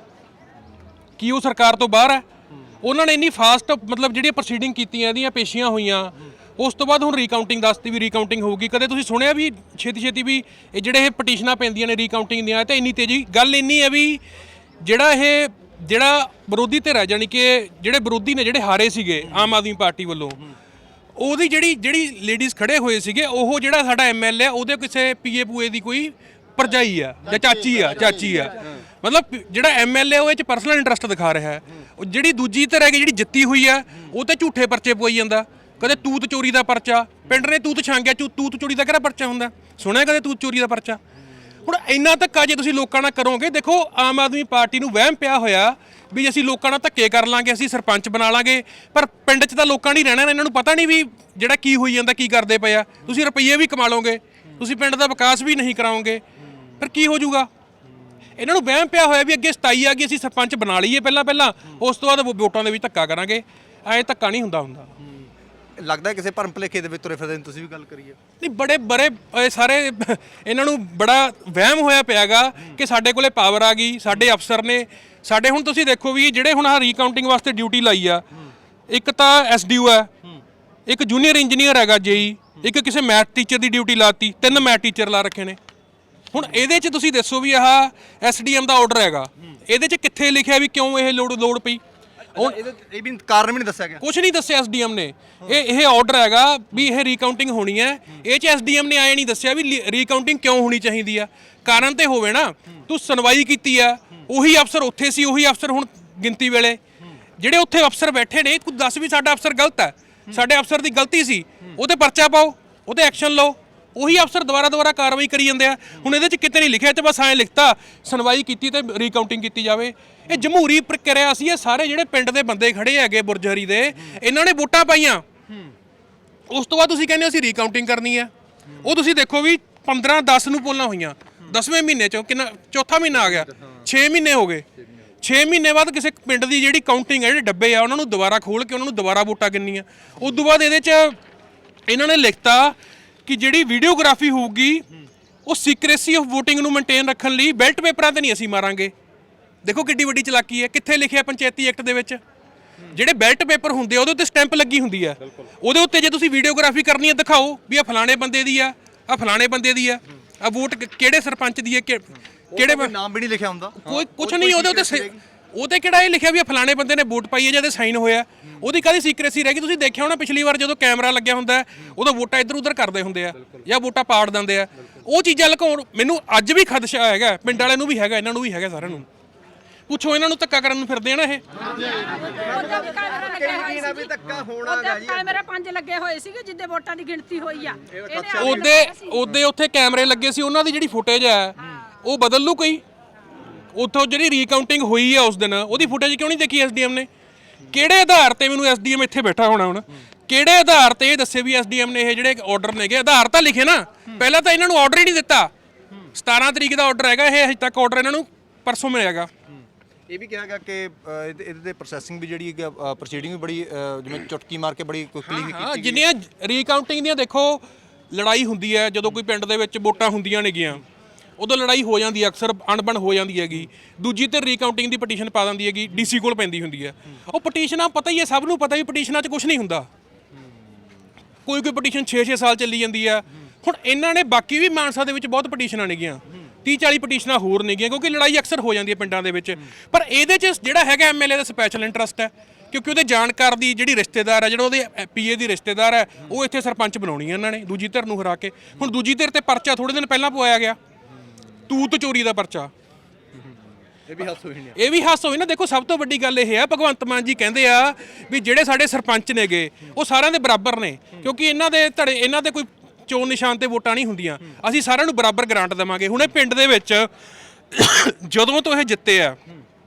S1: ਕੀ ਉਹ ਸਰਕਾਰ ਤੋਂ ਬਾਹਰ ਹੈ? ਉਹਨਾਂ ਨੇ ਇੰਨੀ ਫਾਸਟ ਮਤਲਬ ਜਿਹੜੀਆਂ ਪ੍ਰੋਸੀਡਿੰਗ ਕੀਤੀਆਂ, ਇਹਦੀਆਂ ਪੇਸ਼ੀਆਂ ਹੋਈਆਂ, ਉਸ ਤੋਂ ਬਾਅਦ ਹੁਣ ਰੀਕਾਊਂਟਿੰਗ ਦੱਸਤੀ ਵੀ ਰੀਕਾਊਂਟਿੰਗ ਹੋਊਗੀ। ਕਦੇ ਤੁਸੀਂ ਸੁਣਿਆ ਵੀ ਛੇਤੀ ਛੇਤੀ ਵੀ ਇਹ ਜਿਹੜੇ ਇਹ ਪਟੀਸ਼ਨਾਂ ਪੈਂਦੀਆਂ ਨੇ ਰੀਕਾਊਂਟਿੰਗ ਦੀਆਂ, ਤੇ ਇੰਨੀ ਤੇਜ਼ੀ? ਗੱਲ ਇੰਨੀ ਹੈ ਵੀ ਜਿਹੜਾ ਇਹ ਜਿਹੜਾ ਵਿਰੋਧੀ ਧਿਰ ਹੈ, ਜਾਣੀ ਕਿ ਜਿਹੜੇ ਵਿਰੋਧੀ ਨੇ, ਜਿਹੜੇ ਹਾਰੇ ਸੀਗੇ ਆਮ ਆਦਮੀ ਪਾਰਟੀ ਵੱਲੋਂ, ਉਹਦੀ ਜਿਹੜੀ ਜਿਹੜੀ ਲੇਡੀਜ਼ ਖੜੇ ਹੋਏ ਸੀਗੇ, ਉਹ ਜਿਹੜਾ ਸਾਡਾ ਐਮਐਲਏ ਉਹਦੇ ਕਿਸੇ ਪੀਏ ਪੂਏ ਦੀ ਕੋਈ ਭਰਜਾਈ ਆ ਜਾਂ ਚਾਚੀ ਆ ਚਾਚੀ ਆ ਮਤਲਬ ਜਿਹੜਾ ਐਮਐਲਏ ਉਹ ਇਹ ਚ ਪਰਸਨਲ ਇੰਟਰਸਟ ਦਿਖਾ ਰਿਹਾ ਹੈ। ਉਹ ਜਿਹੜੀ ਦੂਜੀ ਧਿਰ ਹੈਗੀ ਜਿਹੜੀ ਜਿੱਤੀ ਹੋਈ ਆ, ਉਹ ਤੇ ਝੂਠੇ ਪਰਚੇ ਪਵਾਈ ਜਾਂਦਾ। ਕਦੇ ਤੂਤ ਚੋਰੀ ਦਾ ਪਰਚਾ, ਪਿੰਡ ਨੇ ਤੂਤ ਛਾਂਗਿਆ, ਤੂਤ ਚੋਰੀ ਦਾ ਕਿਹੜਾ ਪਰਚਾ ਹੁੰਦਾ? ਸੁਣਿਆ ਕਦੇ ਤੂਤ ਚੋਰੀ ਦਾ ਪਰਚਾ? ਹੁਣ ਇੰਨਾ ਧੱਕਾ ਜੇ ਤੁਸੀਂ ਲੋਕਾਂ ਨਾਲ ਕਰੋਗੇ, ਦੇਖੋ ਆਮ ਆਦਮੀ ਪਾਰਟੀ ਨੂੰ ਵਹਿਮ ਪਿਆ ਹੋਇਆ ਵੀ ਅਸੀਂ ਲੋਕਾਂ ਨਾਲ ਧੱਕੇ ਕਰ ਲਾਂਗੇ, ਅਸੀਂ ਸਰਪੰਚ ਬਣਾ ਲਾਂਗੇ, ਪਰ ਪਿੰਡ 'ਚ ਤਾਂ ਲੋਕਾਂ ਨੇ ਰਹਿਣਾ, ਇਹਨਾਂ ਨੂੰ ਪਤਾ ਨਹੀਂ ਵੀ ਜਿਹੜਾ ਕੀ ਹੋਈ ਜਾਂਦਾ, ਕੀ ਕਰਦੇ ਪਏ ਆ। ਤੁਸੀਂ ਰੁਪਈਏ ਵੀ ਕਮਾ ਲਓਗੇ, ਤੁਸੀਂ ਪਿੰਡ ਦਾ ਵਿਕਾਸ ਵੀ ਨਹੀਂ ਕਰਾਓਗੇ, ਫਿਰ ਕੀ ਹੋ ਜਾਊਗਾ? ਇਹਨਾਂ ਨੂੰ ਵਹਿਮ ਪਿਆ ਹੋਇਆ ਵੀ ਅੱਗੇ ਸਤਾਈ ਆ ਗਈ, ਅਸੀਂ ਸਰਪੰਚ ਬਣਾ ਲਈਏ ਪਹਿਲਾਂ ਪਹਿਲਾਂ, ਉਸ ਤੋਂ ਬਾਅਦ ਵੋਟਾਂ ਦੇ ਵਿੱਚ ਧੱਕਾ ਕਰਾਂਗੇ। ਐਂ ਧੱਕਾ ਨਹੀਂ ਹੁੰਦਾ ਹੁੰਦਾ।
S6: ਲੱਗਦਾ ਕਿਸੇ ਭਰਮ ਭੁਲੇਖੇ ਦੇ ਵਿੱਚ ਤੁਰੇ ਫਿਰਦੇ ਨੇ, ਤੁਸੀਂ ਵੀ ਗੱਲ ਕਰੀਏ
S1: ਨਹੀਂ, ਬੜੇ ਬੜੇ ਇਹ ਸਾਰੇ ਇਹਨਾਂ ਨੂੰ ਬੜਾ ਵਹਿਮ ਹੋਇਆ ਪਿਆਗਾ ਕਿ ਸਾਡੇ ਕੋਲੇ ਪਾਵਰ ਆ ਗਈ, ਸਾਡੇ ਅਫਸਰ ਨੇ ਸਾਡੇ। ਹੁਣ ਤੁਸੀਂ ਦੇਖੋ ਵੀ ਜਿਹੜੇ ਹੁਣ ਆ ਰੀਕਾਊਂਟਿੰਗ ਵਾਸਤੇ ਡਿਊਟੀ ਲਾਈ ਆ, ਇੱਕ ਤਾਂ ਐਸਡੀਓ ਹੈ, ਇੱਕ ਜੂਨੀਅਰ ਇੰਜੀਨੀਅਰ ਹੈਗਾ ਜੇਈ, ਇੱਕ ਕਿਸੇ ਮੈਥ ਟੀਚਰ ਦੀ ਡਿਊਟੀ ਲਾਤੀ, ਤਿੰਨ ਮੈਥ ਟੀਚਰ ਲਾ ਰੱਖੇ ਨੇ। ਹੁਣ ਇਹਦੇ 'ਚ ਤੁਸੀਂ ਦੱਸੋ ਵੀ ਆਹ ਐਸਡੀਐਮ ਦਾ ਆਰਡਰ ਹੈਗਾ, ਇਹਦੇ 'ਚ ਕਿੱਥੇ ਲਿਖਿਆ ਵੀ ਕਿਉਂ ਇਹ ਲੋੜ ਲੋੜ ਪਈ?
S6: ਇਹ ਵੀ ਕਾਰਨ ਵੀ ਨਹੀਂ ਦੱਸਿਆ ਗਿਆ,
S1: ਕੁਝ ਨਹੀਂ ਦੱਸਿਆ ਐਸਡੀਐਮ ਨੇ। ਇਹ ਇਹ ਆਰਡਰ ਹੈਗਾ ਵੀ ਇਹ ਰੀਕਾਊਂਟਿੰਗ ਹੋਣੀ ਹੈ, ਇਹ 'ਚ ਐਸਡੀਐਮ ਨੇ ਆਏ ਨਹੀਂ ਦੱਸਿਆ ਵੀ ਰੀਕਾਊਂਟਿੰਗ ਕਿਉਂ ਹੋਣੀ ਚਾਹੀਦੀ ਆ। ਕਾਰਨ ਤੇ ਹੋਵੇ ਨਾ, ਤੂੰ ਸੁਣਵਾਈ ਕੀਤੀ ਆ, ਉਹੀ ਅਫਸਰ ਉੱਥੇ ਸੀ, ਉਹੀ ਅਫਸਰ ਹੁਣ ਗਿਣਤੀ ਵੇਲੇ ਜਿਹੜੇ ਉੱਥੇ ਅਫਸਰ ਬੈਠੇ ਨੇ, ਕੁਝ ਦੱਸ ਵੀ ਸਾਡਾ ਅਫਸਰ ਗਲਤ ਹੈ, ਸਾਡੇ ਅਫਸਰ ਦੀ ਗਲਤੀ ਸੀ, ਉਹਤੇ ਪਰਚਾ ਪਾਓ, ਉਹਤੇ ਐਕਸ਼ਨ ਲਓ। ਉਹੀ ਅਫਸਰ ਦੁਬਾਰਾ ਦੁਬਾਰਾ ਕਾਰਵਾਈ ਕਰੀ ਜਾਂਦੇ ਆ। ਹੁਣ ਇਹਦੇ 'ਚ ਕਿਤੇ ਨਹੀਂ ਲਿਖਿਆ, ਤੇ ਬਸ ਐਂ ਲਿਖਤਾ ਸੁਣਵਾਈ ਕੀਤੀ ਤੇ ਰੀਕਾਊਂਟਿੰਗ ਕੀਤੀ ਜਾਵੇ। ਇਹ ਜਮਹੂਰੀ ਪ੍ਰਕਿਰਿਆ ਸੀ। ਇਹ ਸਾਰੇ ਜਿਹੜੇ ਪਿੰਡ ਦੇ ਬੰਦੇ ਖੜੇ ਹੈਗੇ ਬੁਰਜਹਰੀ ਦੇ, ਇਹਨਾਂ ਨੇ ਵੋਟਾਂ ਪਾਈਆਂ, ਉਸ ਤੋਂ ਬਾਅਦ ਤੁਸੀਂ ਕਹਿੰਦੇ ਅਸੀਂ ਰੀਕਾਊਂਟਿੰਗ ਕਰਨੀ ਹੈ। ਉਹ ਤੁਸੀਂ ਦੇਖੋ ਵੀ ਪੰਦਰਾਂ ਦਸ ਨੂੰ ਪੋਲਾਂ ਹੋਈਆਂ, ਦਸਵੇਂ ਮਹੀਨੇ 'ਚ ਕਿੰਨਾ ਚੌਥਾ ਮਹੀਨਾ ਆ ਗਿਆ, ਛੇ ਮਹੀਨੇ ਹੋ ਗਏ। ਛੇ ਮਹੀਨੇ ਬਾਅਦ ਕਿਸੇ ਪਿੰਡ ਦੀ ਜਿਹੜੀ ਕਾਊਂਟਿੰਗ ਹੈ, ਜਿਹੜੇ ਡੱਬੇ ਆ, ਉਹਨਾਂ ਨੂੰ ਦੁਬਾਰਾ ਖੋਲ੍ਹ ਕੇ ਉਹਨਾਂ ਨੂੰ ਦੁਬਾਰਾ ਵੋਟਾਂ ਗਿਣਨੀਆਂ। ਉਸ ਤੋਂ ਬਾਅਦ ਇਹਦੇ 'ਚ ਇਹਨਾਂ ਨੇ ਲਿਖਤਾ ਕਿ ਜਿਹੜੀ ਵੀਡੀਓਗ੍ਰਾਫੀ ਹੋਊਗੀ ਉਹ ਸੀਕ੍ਰੇਸੀ ਆਫ ਵੋਟਿੰਗ ਨੂੰ ਮੇਨਟੇਨ ਰੱਖਣ ਲਈ ਬੈਲਟ ਪੇਪਰਾਂ ਤੇ ਨਹੀਂ ਅਸੀਂ ਮਾਰਾਂਗੇ। ਦੇਖੋ ਕਿੱਡੀ ਵੱਡੀ ਚਲਾਕੀ ਹੈ। ਕਿੱਥੇ ਲਿਖਿਆ ਪੰਚਾਇਤੀ ਐਕਟ ਦੇ ਵਿੱਚ? ਜਿਹੜੇ ਬੈਲਟ ਪੇਪਰ ਹੁੰਦੇ ਉਹਦੇ ਉੱਤੇ ਸਟੈਂਪ ਲੱਗੀ ਹੁੰਦੀ ਆ, ਉਹਦੇ ਉੱਤੇ ਜੇ ਤੁਸੀਂ ਵੀਡੀਓਗ੍ਰਾਫੀ ਕਰਨੀ ਹੈ ਦਿਖਾਓ ਵੀ ਆ ਫਲਾਣੇ ਬੰਦੇ ਦੀ ਆ, ਆ ਫਲਾਣੇ ਬੰਦੇ ਦੀ ਆ, ਆ ਵੋਟ ਕਿਹੜੇ ਸਰਪੰਚ ਦੀ ਹੈ, ਕਿਹੜੇ
S6: ਨਾਮ ਵੀ ਨਹੀਂ ਲਿਖਿਆ ਹੁੰਦਾ,
S1: ਕੋਈ ਕੁਝ ਨਹੀਂ ਉਹਦੇ ਉੱਤੇ। ਉਹਤੇ ਕਿਹੜਾ ਇਹ ਲਿਖਿਆ ਵੀ ਫਲਾਣੇ ਬੰਦੇ ਨੇ ਵੋਟ ਪਾਈ ਹੈ ਜਾਂ ਸਾਈਨ ਹੋਇਆ? ਉਹਦੀ ਕਾਹਦੀ ਸੀਕ੍ਰੇਸੀ ਰਹਿ ਗਈ? ਤੁਸੀਂ ਦੇਖਿਆ ਹੋਣਾ ਪਿਛਲੀ ਵਾਰ ਜਦੋਂ ਕੈਮਰਾ ਲੱਗਿਆ ਹੁੰਦਾ ਉਦੋਂ ਵੋਟਾਂ ਇੱਧਰ ਉੱਧਰ ਕਰਦੇ ਹੁੰਦੇ ਆ ਜਾਂ ਵੋਟਾਂ ਪਾੜ ਦਿੰਦੇ ਆ। ਉਹ ਚੀਜ਼ਾਂ ਲੁਕਾਉਣ ਮੈਨੂੰ ਅੱਜ ਵੀ ਖਦਸ਼ਾ ਹੈਗਾ, ਪਿੰਡ ਵਾਲਿਆਂ ਨੂੰ ਵੀ ਹੈਗਾ, ਇਹਨਾਂ ਨੂੰ ਵੀ ਹੈਗਾ, ਸਾਰਿਆਂ ਨੂੰ ਪੁੱਛੋ। ਇਹਨਾਂ ਨੂੰ ਧੱਕਾ ਕਰਨ ਨੂੰ ਫਿਰਦੇ ਆ ਨਾ ਇਹ।
S2: ਕੈਮਰੇ ਪੰਜ ਲੱਗੇ ਹੋਏ ਸੀਗੇ ਜਿੱਦੇ ਵੋਟਾਂ ਦੀ ਗਿਣਤੀ ਹੋਈ ਆ।
S1: ਉਹਦੇ ਉਹਦੇ ਉੱਥੇ ਕੈਮਰੇ ਲੱਗੇ ਸੀ, ਉਹਨਾਂ ਦੀ ਜਿਹੜੀ ਫੁਟੇਜ ਹੈ ਉਹ ਬਦਲ ਲੂ ਕੋਈ। ਉੱਥੋਂ ਜਿਹੜੀ ਰੀਕਾਊਂਟਿੰਗ ਹੋਈ ਆ ਉਸ ਦਿਨ, ਉਹਦੀ ਫੁਟੇਜ ਕਿਉਂ ਨਹੀਂ ਦੇਖੀ ਐਸਡੀਐਮ ਨੇ? ਕਿਹੜੇ ਆਧਾਰ ਤੇ? ਮੈਨੂੰ ਐਸਡੀਐਮ ਇੱਥੇ ਬੈਠਾ ਹੋਣਾ ਹੁਣ, ਕਿਹੜੇ ਆਧਾਰ ਤੇ ਇਹ ਦੱਸੇ ਵੀ ਐਸਡੀਐਮ ਨੇ ਇਹ ਜਿਹੜੇ ਆਰਡਰ ਨੇਗੇ? ਆਧਾਰ ਤਾਂ ਲਿਖੇ ਨਾ। ਪਹਿਲਾਂ ਤਾਂ ਇਹਨਾਂ ਨੂੰ ਆਰਡਰ ਹੀ ਨਹੀਂ ਦਿੱਤਾ। ਸਤਾਰਾਂ ਤਰੀਕ ਦਾ ਆਰਡਰ ਹੈਗਾ, ਇਹ ਹਜੇ ਤੱਕ ਆਰਡਰ ਇਹਨਾਂ ਨੂੰ ਪਰਸੋਂ ਮਿਲਿਆਗਾ।
S6: ਇਹ ਵੀ ਕਿਹਾ ਗਿਆ ਕਿ ਇਹਦੇ ਤੇ ਪ੍ਰੋਸੈਸਿੰਗ ਵੀ ਜਿਹੜੀ ਪ੍ਰੋਸੀਡਿੰਗ ਵੀ ਬੜੀ ਜਿਵੇਂ ਚੁਟਕੀ ਮਾਰ ਕੇ ਬੜੀ ਕੁਇਕਲੀ ਕੀਤੀ
S1: ਹਾਂ, ਜਿੰਨੀਆਂ ਰੀਕਾਊਂਟਿੰਗ ਦੀਆਂ ਦੇਖੋ ਲੜਾਈ ਹੁੰਦੀ ਹੈ, ਜਦੋਂ ਕੋਈ ਪਿੰਡ ਦੇ ਵਿੱਚ ਵੋਟਾਂ ਹੁੰਦੀਆਂ ਨੇਗੀਆਂ ਉਦੋਂ ਲੜਾਈ ਹੋ ਜਾਂਦੀ ਹੈ, ਅਕਸਰ ਅਣਬਣ ਹੋ ਜਾਂਦੀ ਹੈਗੀ। ਦੂਜੀ ਤੇ ਰੀਕਾਊਂਟਿੰਗ ਦੀ ਪਟੀਸ਼ਨ ਪਾ ਦਿੰਦੀ ਹੈਗੀ, ਡੀਸੀ ਕੋਲ ਪੈਂਦੀ ਹੁੰਦੀ ਹੈ। ਉਹ ਪਟੀਸ਼ਨਾਂ ਪਤਾ ਹੀ ਹੈ, ਸਭ ਨੂੰ ਪਤਾ ਵੀ ਪਟੀਸ਼ਨਾਂ 'ਚ ਕੁਝ ਨਹੀਂ ਹੁੰਦਾ। ਕੋਈ ਕੋਈ ਪਟੀਸ਼ਨ ਛੇ ਛੇ ਸਾਲ ਚੱਲੀ ਜਾਂਦੀ ਆ। ਹੁਣ ਇਹਨਾਂ ਨੇ ਬਾਕੀ ਵੀ ਮਾਨਸਾ ਦੇ ਵਿੱਚ ਬਹੁਤ ਪਟੀਸ਼ਨਾਂ ਨੇਗੀਆਂ, ਤੀਹ ਚਾਲੀ ਪਟੀਸ਼ਨਾਂ ਹੋਰ ਨੇਗੀਆਂ, ਕਿਉਂਕਿ ਲੜਾਈ ਅਕਸਰ ਹੋ ਜਾਂਦੀ ਹੈ ਪਿੰਡਾਂ ਦੇ ਵਿੱਚ। ਪਰ ਇਹਦੇ 'ਚ ਜਿਹੜਾ ਹੈਗਾ ਐਮਐਲਏ ਦਾ ਸਪੈਸ਼ਲ ਇੰਟਰਸਟ ਹੈ, ਕਿਉਂਕਿ ਉਹਦੇ ਜਾਣਕਾਰ ਦੀ ਜਿਹੜੀ ਰਿਸ਼ਤੇਦਾਰ ਹੈ, ਜਿਹੜਾ ਉਹਦੇ ਪੀਏ ਦੀ ਰਿਸ਼ਤੇਦਾਰ ਹੈ, ਉਹ ਇੱਥੇ ਸਰਪੰਚ ਬਣਾਉਣੀ ਹੈ ਇਹਨਾਂ ਨੇ ਦੂਜੀ ਧਿਰ ਨੂੰ ਹਰਾ ਕੇ। ਹੁਣ ਦੂਜੀ ਧਿਰ ਤੇ ਪਰਚਾ ਥੋੜੇ ਦਿਨ ਪਹਿਲਾਂ ਪਵਾਇਆ ਗਿਆ, ਤੂਤ ਚੋਰੀ ਦਾ ਪਰਚਾ।
S6: ਇਹ ਵੀ ਹੱਸ ਹੋਈ ਨਹੀਂ
S1: ਇਹ ਵੀ ਹੱਸ ਹੋਈ ਨਾ। ਦੇਖੋ ਸਭ ਤੋਂ ਵੱਡੀ ਗੱਲ ਇਹ ਹੈ, ਭਗਵੰਤ ਮਾਨ ਜੀ ਕਹਿੰਦੇ ਆ ਵੀ ਜਿਹੜੇ ਸਾਡੇ ਸਰਪੰਚ ਨੇਗੇ ਉਹ ਸਾਰਿਆਂ ਦੇ ਬਰਾਬਰ ਨੇ, ਕਿਉਂਕਿ ਇਹਨਾਂ ਦੇ ਧੜੇ ਇਹਨਾਂ ਦੇ ਕੋਈ ਚੋਣ ਨਿਸ਼ਾਨ ਤੇ ਵੋਟਾਂ ਨਹੀਂ ਹੁੰਦੀਆਂ, ਅਸੀਂ ਸਾਰਿਆਂ ਨੂੰ ਬਰਾਬਰ ਗ੍ਰਾਂਟ ਦੇਵਾਂਗੇ। ਹੁਣ ਇਹ ਪਿੰਡ ਦੇ ਵਿੱਚ ਜਦੋਂ ਤੋਂ ਇਹ ਜਿੱਤੇ ਆ,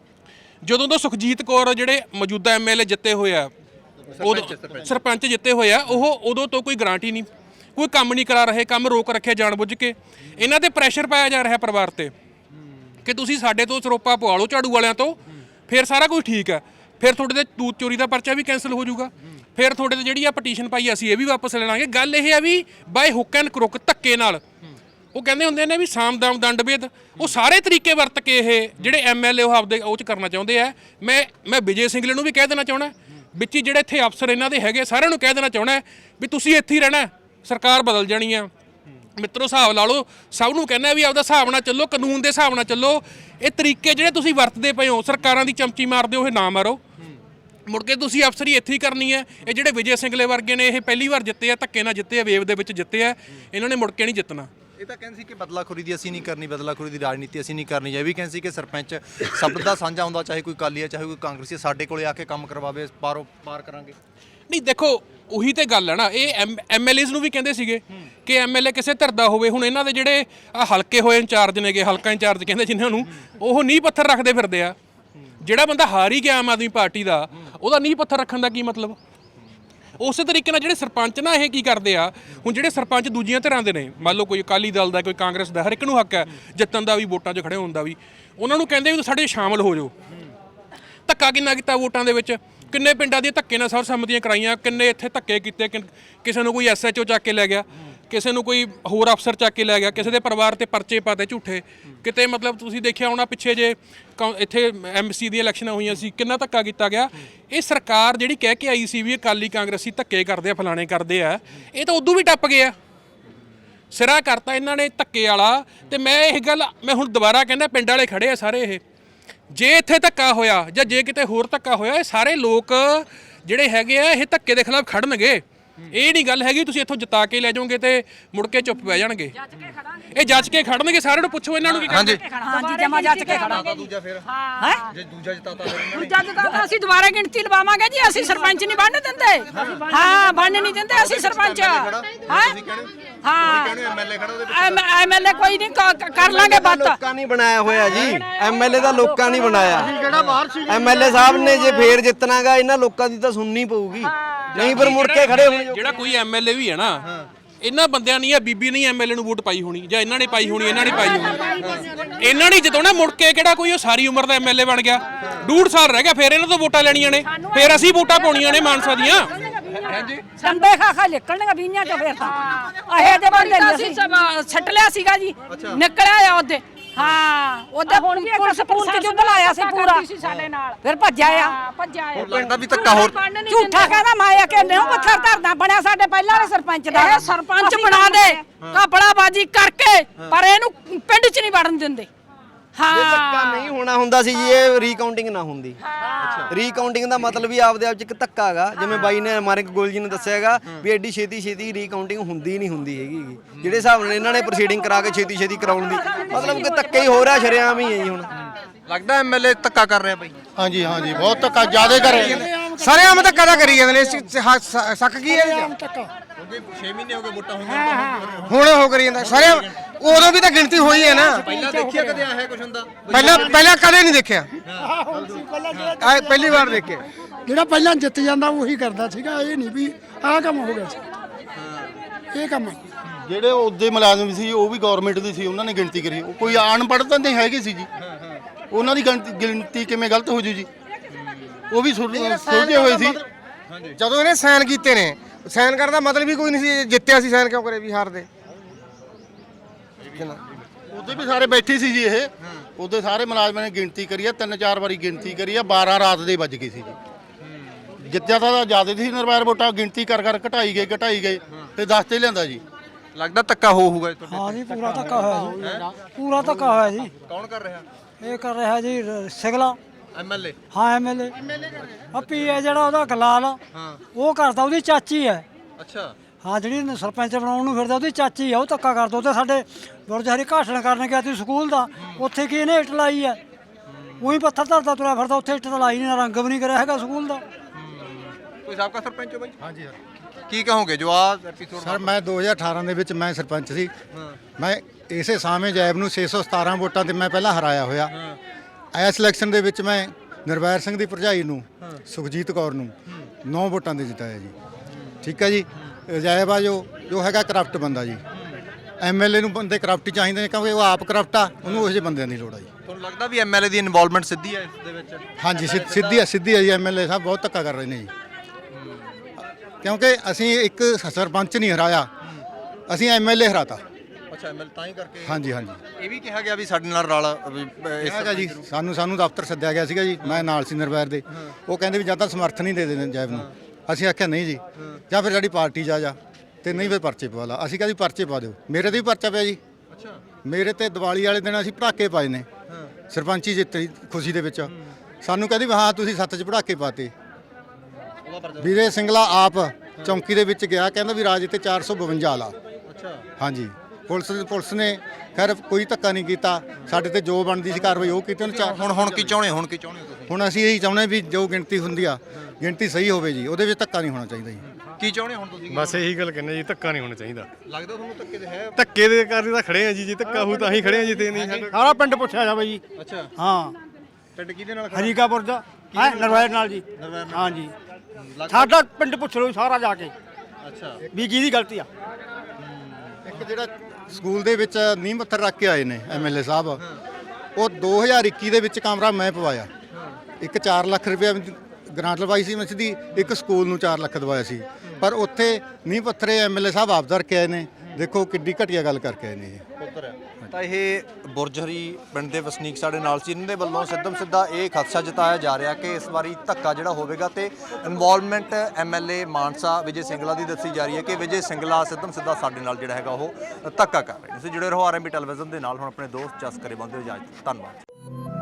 S1: ਜਦੋਂ ਤੋਂ ਸੁਖਜੀਤ ਕੌਰ ਜਿਹੜੇ ਮੌਜੂਦਾ ਐਮਐਲਏ ਜਿੱਤੇ ਹੋਏ ਆ, ਉਦੋਂ ਸਰਪੰਚ ਜਿੱਤੇ ਹੋਏ ਆ, ਉਹ ਉਦੋਂ ਤੋਂ ਕੋਈ ਗ੍ਰਾਂਟ ਹੀ ਨਹੀਂ, ਕੋਈ ਕੰਮ ਨਹੀਂ ਕਰਾ ਰਹੇ, ਕੰਮ ਰੋਕ ਰੱਖਿਆ ਜਾਣਬੁੱਝ ਕੇ। ਇਹਨਾਂ ਤੇ ਪ੍ਰੈਸ਼ਰ ਪਾਇਆ ਜਾ ਰਿਹਾ ਪਰਿਵਾਰ ਤੇ ਕਿ ਤੁਸੀਂ ਸਾਡੇ ਤੋਂ ਸਰੋਪਾ ਪਵਾ ਲਓ ਝਾੜੂ ਵਾਲਿਆਂ ਤੋਂ, ਫਿਰ ਸਾਰਾ ਕੁਝ ਠੀਕ ਹੈ, ਫਿਰ ਤੁਹਾਡੇ ਤੇ ਦੂਤ ਚੋਰੀ ਦਾ ਪਰਚਾ ਵੀ ਕੈਂਸਲ ਹੋ ਜਾਊਗਾ, ਫਿਰ ਤੁਹਾਡੇ ਤੇ ਜਿਹੜੀ ਆ ਪਟੀਸ਼ਨ ਪਾਈ ਅਸੀਂ ਇਹ ਵੀ ਵਾਪਸ ਲੈ ਲਾਂਗੇ। ਗੱਲ ਇਹ ਆ ਵੀ ਬਾਏ ਹੁੱਕ ਐਂਡ ਕਰੁੱਕ ਧੱਕੇ ਨਾਲ, ਉਹ ਕਹਿੰਦੇ ਹੁੰਦੇ ਨੇ ਵੀ ਸਾਮ ਦਾਮ ਦੰਡ ਭੇਦ, ਉਹ ਸਾਰੇ ਤਰੀਕੇ ਵਰਤ ਕੇ ਇਹ ਜਿਹੜੇ ਐਮਐਲਏ ਉਹ ਆਪਦੇ ਉਹ ਚ ਕਰਨਾ ਚਾਹੁੰਦੇ ਆ। ਮੈਂ ਮੈਂ ਵਿਜੇ ਸਿੰਗਲੇ ਨੂੰ ਵੀ ਕਹਿ ਦੇਣਾ ਚਾਹੁੰਦਾ, ਵਿੱਚ ਹੀ ਜਿਹੜੇ ਇੱਥੇ ਅਫਸਰ ਇਹਨਾਂ ਦੇ ਹੈਗੇ ਸਾਰਿਆਂ ਨੂੰ ਕਹਿ ਦੇਣਾ ਚਾਹੁੰਦਾ ਵੀ ਤੁਸੀਂ ਇੱਥੇ ਹੀ ਰਹਿਣਾ, ਸਰਕਾਰ ਬਦਲ ਜਾਣੀ ਆ। ਮਿੱਤਰੋ ਹਿਸਾਬ ਲਾ ਲਓ, ਸਭ ਨੂੰ ਕਹਿੰਦਾ ਵੀ ਆਪਦਾ ਹਿਸਾਬ ਨਾਲ ਚੱਲੋ, ਕਾਨੂੰਨ ਦੇ ਹਿਸਾਬ ਨਾਲ ਚੱਲੋ। ਇਹ ਤਰੀਕੇ ਜਿਹੜੇ ਤੁਸੀਂ ਵਰਤਦੇ ਪਏ ਹੋ, ਸਰਕਾਰਾਂ ਦੀ ਚਮਚੀ ਮਾਰਦੇ ਹੋ, ਇਹ ਨਾ ਮਾਰੋ। ਮੁੜ ਕੇ ਤੁਸੀਂ ਅਫਸਰੀ ਇੱਥੇ ਹੀ ਕਰਨੀ ਹੈ। ਇਹ ਜਿਹੜੇ ਵਿਜੇ ਸਿੰਗਲੇ ਵਰਗੇ ਨੇ, ਇਹ ਪਹਿਲੀ ਵਾਰ ਜਿੱਤੇ ਆ, ਧੱਕੇ ਨਾਲ ਜਿੱਤੇ ਆ, ਵੇਵ ਦੇ ਵਿੱਚ ਜਿੱਤੇ ਆ, ਇਹਨਾਂ ਨੇ ਮੁੜ ਕੇ ਨਹੀਂ ਜਿੱਤਣਾ।
S6: ਇਹ ਤਾਂ ਕਹਿੰਦੇ ਸੀ ਕਿ ਬਦਲਾਖੋਰੀ ਦੀ ਅਸੀਂ ਨਹੀਂ ਕਰਨੀ, ਬਦਲਾਖੋਰੀ ਦੀ ਰਾਜਨੀਤੀ ਅਸੀਂ ਨਹੀਂ ਕਰਨੀ। ਇਹ ਵੀ ਕਹਿੰਦੇ ਸੀ ਕਿ ਸਰਪੰਚ ਸਭ ਦਾ ਸਾਂਝਾ ਹੁੰਦਾ, ਚਾਹੇ ਕੋਈ ਅਕਾਲੀ ਹੈ ਚਾਹੇ ਕੋਈ ਕਾਂਗਰਸੀ, ਸਾਡੇ ਕੋਲੇ ਆ ਕੇ ਕੰਮ ਕਰਵਾਵੇ, ਪਾਰੋ ਪਾਰ ਕਰਾਂਗੇ।
S1: ਨਹੀਂ ਦੇਖੋ ਉਹੀ ਤੇ ਗੱਲ ਹੈ ਨਾ, ਇਹ ਐਮਐਲਏਜ਼ ਨੂੰ ਵੀ ਕਹਿੰਦੇ ਸੀਗੇ ਕਿ ਐਮਐਲਏ ਕਿਸੇ ਧਿਰ ਦਾ ਹੋਵੇ। ਹੁਣ ਇਹਨਾਂ ਦੇ ਜਿਹੜੇ ਆ ਹਲਕੇ ਹੋਏ ਇੰਚਾਰਜ ਨੇਗੇ, ਹਲਕਾ ਇੰਚਾਰਜ ਕਹਿੰਦੇ ਜਿਨ੍ਹਾਂ ਨੂੰ, ਉਹ ਨੀਂਹ ਪੱਥਰ ਰੱਖਦੇ ਫਿਰਦੇ ਆ। ਜਿਹੜਾ ਬੰਦਾ ਹਾਰ ਹੀ ਗਿਆ ਆਮ ਆਦਮੀ ਪਾਰਟੀ ਦਾ, ਉਹਦਾ ਨੀਂਹ ਪੱਥਰ ਰੱਖਣ ਦਾ ਕੀ ਮਤਲਬ? ਉਸੇ ਤਰੀਕੇ ਨਾਲ ਜਿਹੜੇ ਸਰਪੰਚ ਨਾ ਇਹ ਕੀ ਕਰਦੇ ਆ, ਹੁਣ ਜਿਹੜੇ ਸਰਪੰਚ ਦੂਜੀਆਂ ਧਿਰਾਂ ਦੇ ਨੇ, ਮੰਨ ਲਓ ਕੋਈ ਅਕਾਲੀ ਦਲ ਦਾ, ਕੋਈ ਕਾਂਗਰਸ ਦਾ, ਹਰ ਇੱਕ ਨੂੰ ਹੱਕ ਹੈ ਜਿੱਤਣ ਦਾ ਵੀ, ਵੋਟਾਂ 'ਚ ਖੜੇ ਹੋਣ ਦਾ ਵੀ। ਉਹਨਾਂ ਨੂੰ ਕਹਿੰਦੇ ਵੀ ਸਾਡੇ ਸ਼ਾਮਲ ਹੋ ਜਾਓ। ਧੱਕਾ ਕਿੰਨਾ ਕੀਤਾ ਵੋਟਾਂ ਦੇ ਵਿੱਚ, ਕਿੰਨੇ ਪਿੰਡਾਂ ਦੀਆਂ ਧੱਕੇ ਨਾਲ ਸਰਬਸੰਮਤੀਆਂ ਕਰਾਈਆਂ, ਕਿੰਨੇ ਇੱਥੇ ਧੱਕੇ ਕੀਤੇ। ਕਿਸੇ ਨੂੰ ਕੋਈ ਐਸਐਚਓ ਚੱਕ ਕੇ ਲੈ ਗਿਆ, ਕਿਸੇ ਨੂੰ ਕੋਈ ਹੋਰ ਅਫਸਰ ਚੱਕ ਕੇ ਲੈ ਗਿਆ, ਕਿਸੇ ਦੇ ਪਰਿਵਾਰ ਤੇ ਪਰਚੇ ਪਾਤੇ ਝੂਠੇ। ਕਿਤੇ ਮਤਲਬ ਤੁਸੀਂ ਦੇਖਿਆ ਹੋਣਾ ਪਿੱਛੇ ਜੇ ਇੱਥੇ ਐਮਸੀ ਦੀਆਂ ਇਲੈਕਸ਼ਨਾਂ ਹੋਈਆਂ ਸੀ, ਕਿੰਨਾ ਧੱਕਾ ਕੀਤਾ ਗਿਆ। ਇਹ ਸਰਕਾਰ ਜਿਹੜੀ ਕਹਿ ਕੇ ਆਈ ਸੀ ਵੀ ਅਕਾਲੀ ਕਾਂਗਰਸੀ ਧੱਕੇ ਕਰਦੇ ਆ, ਫਲਾਣੇ ਕਰਦੇ ਆ, ਇਹ ਤਾਂ ਉਦੋਂ ਵੀ ਟੱਪ ਗਿਆ, ਸਿਰਾ ਕਰਤਾ ਇਹਨਾਂ ਨੇ ਧੱਕੇ ਵਾਲਾ। ਤੇ ਮੈਂ ਇਹ ਗੱਲ ਮੈਂ ਹੁਣ ਦੁਬਾਰਾ ਕਹਿੰਦਾ, ਪਿੰਡ ਵਾਲੇ ਖੜੇ ਆ ਸਾਰੇ, ਇਹ ਜੇ ਇੱਥੇ ਧੱਕਾ ਹੋਇਆ ਜਾਂ ਜੇ ਕਿਤੇ ਹੋਰ ਧੱਕਾ ਹੋਇਆ, ਇਹ ਸਾਰੇ ਲੋਕ ਜਿਹੜੇ ਹੈਗੇ ਆ ਇਹ ਧੱਕੇ ਦੇ ਖਿਲਾਫ ਖੜਨਗੇ। ਇਹ ਨਹੀਂ ਗੱਲ ਹੈਗੀ ਤੁਸੀਂ ਇੱਥੋਂ ਜਿਤਾ ਕੇ ਲੈ ਜਾਓਗੇ ਤੇ ਮੁੜ ਕੇ ਚੁੱਪ ਬਹਿ ਜਾਣਗੇ। ਇਹ ਜੱਜ ਕੇ ਖੜਨਗੇ, ਸਾਰਿਆਂ ਨੂੰ ਪੁੱਛੋ ਇਹਨਾਂ ਨੂੰ ਕੀ ਕਰਦੇ।
S2: ਹਾਂਜੀ ਜਮਾ ਜੱਜ ਕੇ ਖੜਾਂਗੇ।
S6: ਦੂਜਾ ਫਿਰ
S2: ਹੈ
S6: ਜੇ ਦੂਜਾ ਜਿਤਾਤਾ ਫਿਰ
S2: ਦੂਜਾ ਜਿਤਾਤਾ ਅਸੀਂ ਦੁਬਾਰਾ ਗਿਣਤੀ ਲਵਾਵਾਂਗੇ ਜੀ। ਅਸੀਂ ਸਰਪੰਚ ਨਹੀਂ ਬਣਨ ਦਿੰਦੇ। ਹਾਂ ਬਣਨ ਨਹੀਂ ਦਿੰਦੇ ਅਸੀਂ ਸਰਪੰਚ। ਹਾਂ ਹਾਂ
S6: ਐਮਐਲਏ ਖੜਾ ਉਹਦੇ
S2: ਐਮਐਲਏ ਕੋਈ ਨਹੀਂ ਕਰ ਲਾਂਗੇ ਬਾਤ।
S3: ਲੋਕਾਂ ਨਹੀਂ ਬਣਾਇਆ ਹੋਇਆ ਜੀ, ਐਮਐਲਏ ਦਾ ਲੋਕਾਂ ਨਹੀਂ ਬਣਾਇਆ। ਐਮਐਲਏ ਸਾਹਿਬ ਨੇ ਜੇ ਫੇਰ ਜਿੱਤਣਾਗਾ, ਇਹਨਾਂ ਲੋਕਾਂ ਦੀ ਤਾਂ ਸੁਣਨੀ ਪਊਗੀ, ਨਹੀਂ ਫਿਰ ਮੁੜ ਕੇ ਖੜੇ ਹੋਣੇ।
S1: ਜਿਹੜਾ ਕੋਈ ਐਮਐਲਏ ਵੀ ਹੈ ਨਾ, ਇਹਨਾਂ ਬੰਦਿਆਂ ਨਹੀਂ ਆ, ਬੀਬੀ ਨਹੀਂ ਐਮਐਲਏ ਨੂੰ ਵੋਟ ਪਾਈ ਹੋਣੀ, ਜਾਂ ਇਹਨਾਂ ਨੇ ਪਾਈ ਹੋਣੀ, ਇਹਨਾਂ ਨੇ ਪਾਈ ਹੋਣੀ, ਇਹਨਾਂ ਨੇ ਜਿਤਾਉਣਾ। ਮੁੜ ਕੇ ਕਿਹੜਾ ਕੋਈ ਉਹ ਸਾਰੀ ਉਮਰ ਦਾ ਐਮਐਲਏ ਬਣ ਗਿਆ, ਡੂਢ ਸਾਲ ਰਹਿ ਗਿਆ, ਫਿਰ ਇਹਨਾਂ ਤੋਂ ਵੋਟਾਂ ਲੈਣੀਆਂ ਨੇ, ਫਿਰ ਅਸੀਂ ਵੋਟਾਂ ਪਾਉਣੀਆਂ ਨੇ ਮਾਨਸਾ ਦੀਆਂ।
S2: ਸੰਦੇ ਖਾ ਖਾ ਨਿਕਲਣਗੇ ਬੀਆਂ ਚੋਂ। ਫਿਰ ਤਾਂ ਇਹ ਦੇ ਬੰਦੇ ਨਹੀਂ ਅਸੀਂ ਛੱਟ ਲਿਆ ਸੀਗਾ ਜੀ, ਨਿਕਲਿਆ ਆ ਉਹਦੇ। ਹਾਂ ਉਹਦੇ ਹੁਣ ਵੀ ਪੁਲਿਸ ਪੁਲਿਸ ਚ ਜੁੱਧ ਲਾਇਆ ਸੀ ਪੂਰਾ ਸਾਡੇ ਨਾਲ, ਫਿਰ ਭੱਜਿਆ ਆ ਭੱਜਿਆ ਆ।
S6: ਲੱਗਦਾ ਵੀ ਧੱਕਾ ਹੋਰ
S2: ਝੂਠਾ ਕਹਿੰਦਾ ਮਾਇਆ ਕਿ ਨਹੀਂ ਪੱਥਰ ਧਰਦਾ ਬਣਿਆ ਸਾਡੇ ਪਹਿਲਾਂ ਵਾਲੇ ਸਰਪੰਚ ਦਾ। ਇਹ ਸਰਪੰਚ ਬਣਾ ਦੇ ਕਪੜਾਬਾਜੀ ਕਰਕੇ, ਪਰ ਇਹਨੂੰ ਪਿੰਡ 'ਚ ਨਹੀਂ ਵੜਨ ਦਿੰਦੇ। ਹਾਂ
S3: ਜੇ ਧੱਕਾ ਨਹੀਂ ਹੋਣਾ ਹੁੰਦਾ ਸੀ ਜੀ, ਇਹ ਰੀਕਾਊਂਟਿੰਗ ਨਾ ਹੁੰਦੀ। ਰੀਕਾਊਂਟਿੰਗ ਦਾ ਮਤਲਬ ਵੀ ਆਪਦੇ ਆਪ 'ਚ ਇੱਕ ਧੱਕਾ ਹੈਗਾ, ਜਿਵੇਂ ਬਾਈ ਨੇ ਮਾਰਿਕ ਗੋਲ ਜੀ ਨੇ ਦੱਸਿਆ ਹੈਗਾ ਵੀ ਐਡੀ ਛੇਤੀ ਛੇਤੀ ਰੀਕਾਊਂਟਿੰਗ ਹੁੰਦੀ ਨਹੀਂ ਹੁੰਦੀ ਹੈਗੀ। ਜਿਹੜੇ ਹਿਸਾਬ ਨਾਲ ਇਹਨਾਂ ਨੇ ਪ੍ਰੋਸੀਡਿੰਗ ਕਰਾ ਕੇ ਛੇਤੀ ਛੇਤੀ ਕਰਾਉਣ ਦੀ, ਮਤਲਬ ਕਿ ਧੱਕਾ ਹੀ ਹੋ ਰਿਹਾ, ਸ਼ਰੇਆਮ ਹੀ ਹੈ ਜੀ। ਹੁਣ
S6: ਲੱਗਦਾ ਐਮਐਲਏ ਧੱਕਾ ਕਰ ਰਿਹਾ ਬਾਈ।
S8: ਹਾਂਜੀ ਹਾਂਜੀ ਬਹੁਤ ਧੱਕਾ ਜ਼ਿਆਦਾ ਕਰ ਰਹੇ ਸਾਰੇ ਆਮ ਧੱਕਾ ਦਾ ਕਰੀ ਜਾਂਦੇ ਨੇ। ਸ਼ੱਕ ਕੀ ਹੈ
S6: ਛੇ ਮਹੀਨੇ ਹੋ ਗਏ ਵੋਟਾਂ ਹੋਈਆਂ,
S8: ਹੁਣ ਉਹ ਕਰੀ ਜਾਂਦਾ ਸਾਰੇ। ਉਦੋਂ ਵੀ ਤਾਂ ਗਿਣਤੀ ਹੋਈ ਹੈ ਨਾ,
S6: ਪਹਿਲਾਂ ਦੇਖਿਆ ਕਦੇ ਆਇਆ ਕੁਝ ਹੁੰਦਾ?
S8: ਪਹਿਲਾਂ ਪਹਿਲਾਂ ਕਦੇ ਨਹੀਂ ਦੇਖਿਆ, ਆ ਪਹਿਲੀ ਵਾਰ ਦੇਖਿਆ।
S9: ਜਿਹੜਾ ਪਹਿਲਾਂ ਜਿੱਤ ਜਾਂਦਾ ਉਹੀ ਕਰਦਾ ਸੀਗਾ, ਇਹ ਨਹੀਂ ਵੀ ਆਹ ਕੰਮ ਹੋ ਗਿਆ ਸੀ। ਇਹ ਕੰਮ
S8: ਜਿਹੜੇ ਉਹਦੇ ਮੁਲਾਜ਼ਮ ਸੀ ਉਹ ਵੀ ਗਵਰਨਮੈਂਟ ਦੀ ਸੀ, ਉਹਨਾਂ ਨੇ ਗਿਣਤੀ ਕਰੀ। ਕੋਈ ਅਨਪੜ੍ਹ ਤਾਂ ਨਹੀਂ ਹੈਗੇ ਸੀ ਜੀ, ਉਹਨਾਂ ਦੀ ਗਿਣਤੀ ਕਿਵੇਂ ਗਲਤ ਹੋ ਜੂ ਜੀ? ਉਹ ਵੀ ਸੋਚੇ ਹੋਏ ਸੀ।
S10: ਜਦੋਂ ਇਹਨੇ ਸਾਈਨ ਕੀਤੇ ਨੇ, ਸਾਈਨ ਕਰਨ ਦਾ ਮਤਲਬ ਵੀ ਕੋਈ ਨਹੀਂ ਸੀ। ਜਿੱਤਿਆ ਸੀ ਸਾਈਨ ਕਿਉਂ ਕਰੇ ਵੀ ਹਾਰਦੇ?
S8: ਉਹਦੇ ਵੀ ਸਾਰੇ ਬੈਠੇ ਸੀ ਜੀ। ਇਹ ਉਹਦੇ ਸਾਰੇ ਮੁਲਾਜ਼ਮਾਂ ਨੇ ਗਿਣਤੀ ਕਰੀ ਆ, ਤਿੰਨ ਚਾਰ ਵਾਰੀ ਗਿਣਤੀ ਕਰੀ ਆ, ਬਾਰਾਂ ਰਾਤ ਦੇ ਵੱਜ ਗਏ ਸੀ ਜੀ। ਜਿੱਤਿਆ ਤਾਂ ਜ਼ਿਆਦਾ ਸੀ ਨਿਰਵੈਰ ਵੋਟਾਂ, ਗਿਣਤੀ ਕਰ ਕਰ ਘਟਾਈ ਗਏ ਘਟਾਈ ਗਏ ਤੇ ਦਸ ਤੇ ਲਿਆਂਦਾ ਜੀ।
S6: ਲੱਗਦਾ ਧੱਕਾ ਹੋ ਹੋਊਗਾ।
S9: ਹਾਂ ਜੀ ਪੂਰਾ ਧੱਕਾ ਹੋਇਆ ਜੀ, ਪੂਰਾ ਧੱਕਾ ਹੋਇਆ ਜੀ।
S6: ਕੌਣ ਕਰ ਰਿਹਾ?
S9: ਇਹ ਕਰ ਰਿਹਾ ਜੀ ਸਿਗਲਾ
S6: ਐਮਐਲਏ।
S9: ਹਾਂ ਐਮਐਲਏ ਅੱਪੀ ਹੈ ਜਿਹੜਾ ਉਹਦਾ ਗਲਾਲ, ਉਹ ਕਰਦਾ, ਉਹਦੀ ਚਾਚੀ ਹੈ।
S6: ਅੱਛਾ
S9: ਹਾਂ ਜਿਹੜੀ ਸਰਪੰਚ ਬਣਾਉਣ ਨੂੰ ਫਿਰਦਾ ਉਹਦੀ ਚਾਚੀ ਆ, ਉਹ ਧੱਕਾ ਕਰਦਾ। ਉਹ ਤੇ ਸਾਡੇ ਗੁਰਜਹਰੀ ਭਾਸ਼ਣ ਕਰਨ ਗਿਆ ਸੀ ਸਕੂਲ ਦਾ, ਉੱਥੇ ਕੀ ਇਹਨੇ ਇੱਟ ਲਾਈ ਹੈ।
S11: ਉਹੀ ਪੱਥਰ ਧਰਦਾ ਤੁਰਿਆ ਫਿਰਦਾ, ਉੱਥੇ ਇੱਟ ਤਾਂ ਲਾਈ ਨਹੀਂ, ਰੰਗ ਵੀ ਨਹੀਂ ਕਰਿਆ ਹੈਗਾ ਸਕੂਲ ਦਾ।
S6: ਕੋਈ ਸਾਬਕਾ ਸਰਪੰਚ ਹੋ ਬਾਈ? ਹਾਂਜੀ ਸਰ। ਕੀ ਕਹੋਗੇ ਜੋ ਆ ਐਪੀਸੋਡ?
S8: ਸਰ ਮੈਂ ਦੋ ਹਜ਼ਾਰ ਅਠਾਰਾਂ ਦੇ ਵਿੱਚ ਮੈਂ ਸਰਪੰਚ ਸੀ। ਮੈਂ ਇਸੇ ਸਾਵੇਂ ਜੈਬ ਨੂੰ ਛੇ ਸੌ ਸਤਾਰਾਂ ਵੋਟਾਂ ਤੇ ਮੈਂ ਪਹਿਲਾਂ ਹਰਾਇਆ ਹੋਇਆ। ਇਸ ਇਲੈਕਸ਼ਨ ਦੇ ਵਿੱਚ ਮੈਂ ਨਿਰਵੈਰ ਸਿੰਘ ਦੀ ਭਰਜਾਈ ਨੂੰ ਸੁਖਜੀਤ ਕੌਰ ਨੂੰ ਨੌ ਵੋਟਾਂ ਦੇ ਜਿਤਾਇਆ ਜੀ। ਠੀਕ ਹੈ ਜੀ। ਅਜਾਇਬ ਆ ਜੋ ਜੋ ਹੈਗਾ ਕਰਪਟ ਬੰਦਾ ਜੀ। ਐਮਐਲਏ ਨੂੰ ਬੰਦੇ ਕਰਪਟ ਚਾਹੀਦੇ ਨੇ ਕਿਉਂਕਿ ਉਹ ਆਪ ਕਰਪਟ ਆ, ਉਹਨੂੰ ਉਹੋ ਜਿਹੇ ਬੰਦਿਆਂ ਦੀ ਲੋੜ ਆ ਜੀ।
S6: ਤੁਹਾਨੂੰ ਲੱਗਦਾ ਵੀ ਐਮਐਲਏ ਦੀ ਇਨਵੋਲਵਮੈਂਟ ਸਿੱਧੀ ਹੈ ਇਸ ਦੇ ਵਿੱਚ?
S8: ਹਾਂਜੀ ਸਿ- ਸਿੱਧੀ ਆ ਸਿੱਧੀ ਆ ਜੀ। ਐਮਐਲਏ ਸਾਹਿਬ ਬਹੁਤ ਧੱਕਾ ਕਰ ਰਹੇ ਨੇ ਜੀ, ਕਿਉਂਕਿ ਅਸੀਂ ਇੱਕ ਸਰਪੰਚ ਨਹੀਂ ਹਰਾਇਆ, ਅਸੀਂ ਐਮਐਲਏ ਹਰਾਤਾ।
S6: ਅੱਛਾ, ਐਮਐਲਏ ਤਾਂ ਹੀ ਕਰਕੇ।
S8: ਹਾਂਜੀ ਹਾਂਜੀ
S6: ਇਹ ਵੀ ਕਿਹਾ ਗਿਆ ਵੀ ਸਾਡੇ ਨਾਲ ਰਲ ਵੀ, ਅ, ਇਸ
S8: ਹੈਗਾ ਜੀ। ਸਾਨੂੰ ਸਾਨੂੰ ਦਫ਼ਤਰ ਸੱਦਿਆ ਗਿਆ ਸੀਗਾ ਜੀ, ਮੈਂ ਨਾਲ ਸੀ ਨਿਰਵੈਰ ਦੇ। ਉਹ ਕਹਿੰਦੇ ਵੀ ਜਾਂ ਤਾਂ ਸਮਰਥਨ ਹੀ ਦੇ ਦੇਣੇ ਜੈਬ ਨੂੰ। ਅਸੀਂ ਆਖਿਆ ਨਹੀਂ ਜੀ, ਜਾਂ ਫਿਰ ਸਾਡੀ ਪਾਰਟੀ ਜਾ ਜਾ ਤੇ ਨਹੀਂ ਫਿਰ ਪਰਚੇ ਪਵਾ ਲਾ। ਅਸੀਂ ਕਹਿੰਦੇ ਪਰਚੇ ਪਾ ਦਿਓ। ਮੇਰੇ ਤੇ ਵੀ ਪਰਚਾ ਪਿਆ ਜੀ।
S6: ਅੱਛਾ।
S8: ਮੇਰੇ ਤੇ ਦੀਵਾਲੀ ਵਾਲੇ ਦਿਨ ਅਸੀਂ ਪਟਾਕੇ ਪਾਏ ਨੇ, ਸਰਪੰਚੀ ਜਿੱਤੀ ਖੁਸ਼ੀ ਦੇ ਵਿੱਚ। ਸਾਨੂੰ ਕਹਿੰਦੀ ਵੀ ਹਾਂ ਤੁਸੀਂ ਸੱਤ 'ਚ ਪਟਾਕੇ ਪਾਤੇ। ਵੀਰੇ ਸਿੰਗਲਾ ਆਪ ਚੌਂਕੀ ਦੇ ਵਿੱਚ ਗਿਆ, ਕਹਿੰਦਾ ਵੀ ਰਾਜ ਤੇ ਚਾਰ ਸੌ ਬਵੰਜਾ ਲਾ।
S6: ਅੱਛਾ।
S8: ਹਾਂਜੀ। ਪੁਲਿਸ ਪੁਲਿਸ ਨੇ ਖੈਰ ਕੋਈ ਧੱਕਾ ਨਹੀਂ ਕੀਤਾ, ਸਾਡੇ ਤੇ ਜੋ ਬਣਦੀ ਸੀ ਕਾਰਵਾਈ ਉਹ ਕੀਤੀ।
S6: ਹੁਣ ਹੁਣ ਕੀ ਚਾਹੁੰਦੇ ਹੁਣ ਕੀ ਚਾਹੁੰਦੇ ਹੋ ਤੁਸੀਂ?
S8: ਹੁਣ ਅਸੀਂ ਇਹੀ ਚਾਹੁੰਦੇ ਵੀ ਜੋ ਗਿਣਤੀ ਹੁੰਦੀ ਆ, ਗਿਣਤੀ ਸਹੀ ਹੋਵੇ ਜੀ, ਉਹਦੇ ਵਿੱਚ ਧੱਕਾ ਨਹੀਂ ਹੋਣਾ ਚਾਹੀਦਾ ਜੀ।
S6: ਕੀ ਚਾਹੁੰਦੇ ਹੁਣ ਤੁਸੀਂ?
S12: ਬਸ ਇਹੀ ਗੱਲ ਕਹਿੰਦੇ ਜੀ, ਧੱਕਾ ਨਹੀਂ ਹੋਣਾ ਚਾਹੀਦਾ।
S6: ਲੱਗਦਾ ਤੁਹਾਨੂੰ ਧੱਕੇ ਦੇ ਹੈ?
S12: ਧੱਕੇ ਦੇ ਕਾਰਨ ਤਾਂ ਖੜੇ ਆ ਜੀ, ਜੇ ਧੱਕਾ ਹੋਊ ਤਾਂ ਅਸੀਂ ਖੜੇ ਆ ਜੀ, ਤੇ ਨਹੀਂ ਸਾਡਾ
S11: ਸਾਰਾ ਪਿੰਡ ਪੁੱਛਿਆ ਜਾਵੇ ਜੀ।
S6: ਅੱਛਾ।
S11: ਹਾਂ,
S6: ਪਿੰਡ ਕਿਹਦੇ ਨਾਲ?
S11: ਹਰੀਕਾਪੁਰ ਦਾ ਹੈ ਨਰਵੈਰ ਨਾਲ ਜੀ। ਹਾਂ ਜੀ, ਸਾਡਾ ਪਿੰਡ ਪੁੱਛ ਲਓ ਸਾਰਾ ਜਾ ਕੇ।
S6: ਅੱਛਾ।
S11: ਵੀ ਕਿਹਦੀ ਗਲਤੀ ਆ।
S8: ਇੱਕ ਜਿਹੜਾ ਸਕੂਲ ਦੇ ਵਿੱਚ ਨੀਂਹ ਪੱਥਰ ਰੱਖ ਕੇ ਆਏ ਨੇ ਐਮਐਲਏ ਸਾਹਿਬ, ਉਹ ਦੋ ਹਜ਼ਾਰ ਇੱਕੀ ਦੇ ਵਿੱਚ ਕਮਰਾ ਮੈਂ ਪਵਾਇਆ। ਇੱਕ ਚਾਰ ਲੱਖ ਰੁਪਏ ਗ੍ਰਾਂਟ ਲਵਾਈ ਸੀ ਮੈਂ ਸਿੱਧੀ, ਇੱਕ ਸਕੂਲ ਨੂੰ ਚਾਰ ਲੱਖ ਦਵਾਇਆ ਸੀ। ਪਰ ਉੱਥੇ ਨੀਂਹ ਪੱਥਰੇ ਐਮਐਲਏ ਸਾਹਿਬ ਆਪ ਦਰ ਕੇ ਆਏ ਨੇ। ਦੇਖੋ ਕਿੱਡੀ ਘਟੀਆ ਗੱਲ ਕਰਕੇ ਆਏ ਨੇ ਜੀ।
S6: ਤਾਂ ਇਹ ਬੁਰਜਹਰੀ ਪਿੰਡ ਦੇ ਵਸਨੀਕ ਸਾਡੇ ਨਾਲ ਸੀ। ਇਹਨਾਂ ਦੇ ਵੱਲੋਂ ਸਿੱਧਮ ਸਿੱਧਾ ਇਹ ਖਦਸ਼ਾ ਜਤਾਇਆ ਜਾ ਰਿਹਾ ਕਿ ਇਸ ਵਾਰੀ ਧੱਕਾ ਜਿਹੜਾ ਹੋਵੇਗਾ ਤੇ ਇਨਵੋਲਵਮੈਂਟ ਐਮਐਲਏ ਮਾਨਸਾ ਵਿਜੇ ਸਿੰਗਲਾ ਦੀ ਦੱਸੀ ਜਾ ਰਹੀ ਹੈ ਕਿ ਵਿਜੇ ਸਿੰਗਲਾ ਸਿੱਧਮ ਸਿੱਧਾ ਸਾਡੇ ਨਾਲ ਜਿਹੜਾ ਹੈਗਾ ਉਹ ਧੱਕਾ ਕਰ ਰਹੇ ਨੇ। ਤੁਸੀਂ ਜੁੜੇ ਰਹੋ ਆਰਐਮਬੀ ਟੈਲੀਵਿਜ਼ਨ ਦੇ ਨਾਲ। ਹੁਣ ਆਪਣੇ ਦੋਸਤ ਜਸ ਕਰੇ ਬੰਦੇ ਹੋ ਇਜਾਜ਼ਤ। ਧੰਨਵਾਦ।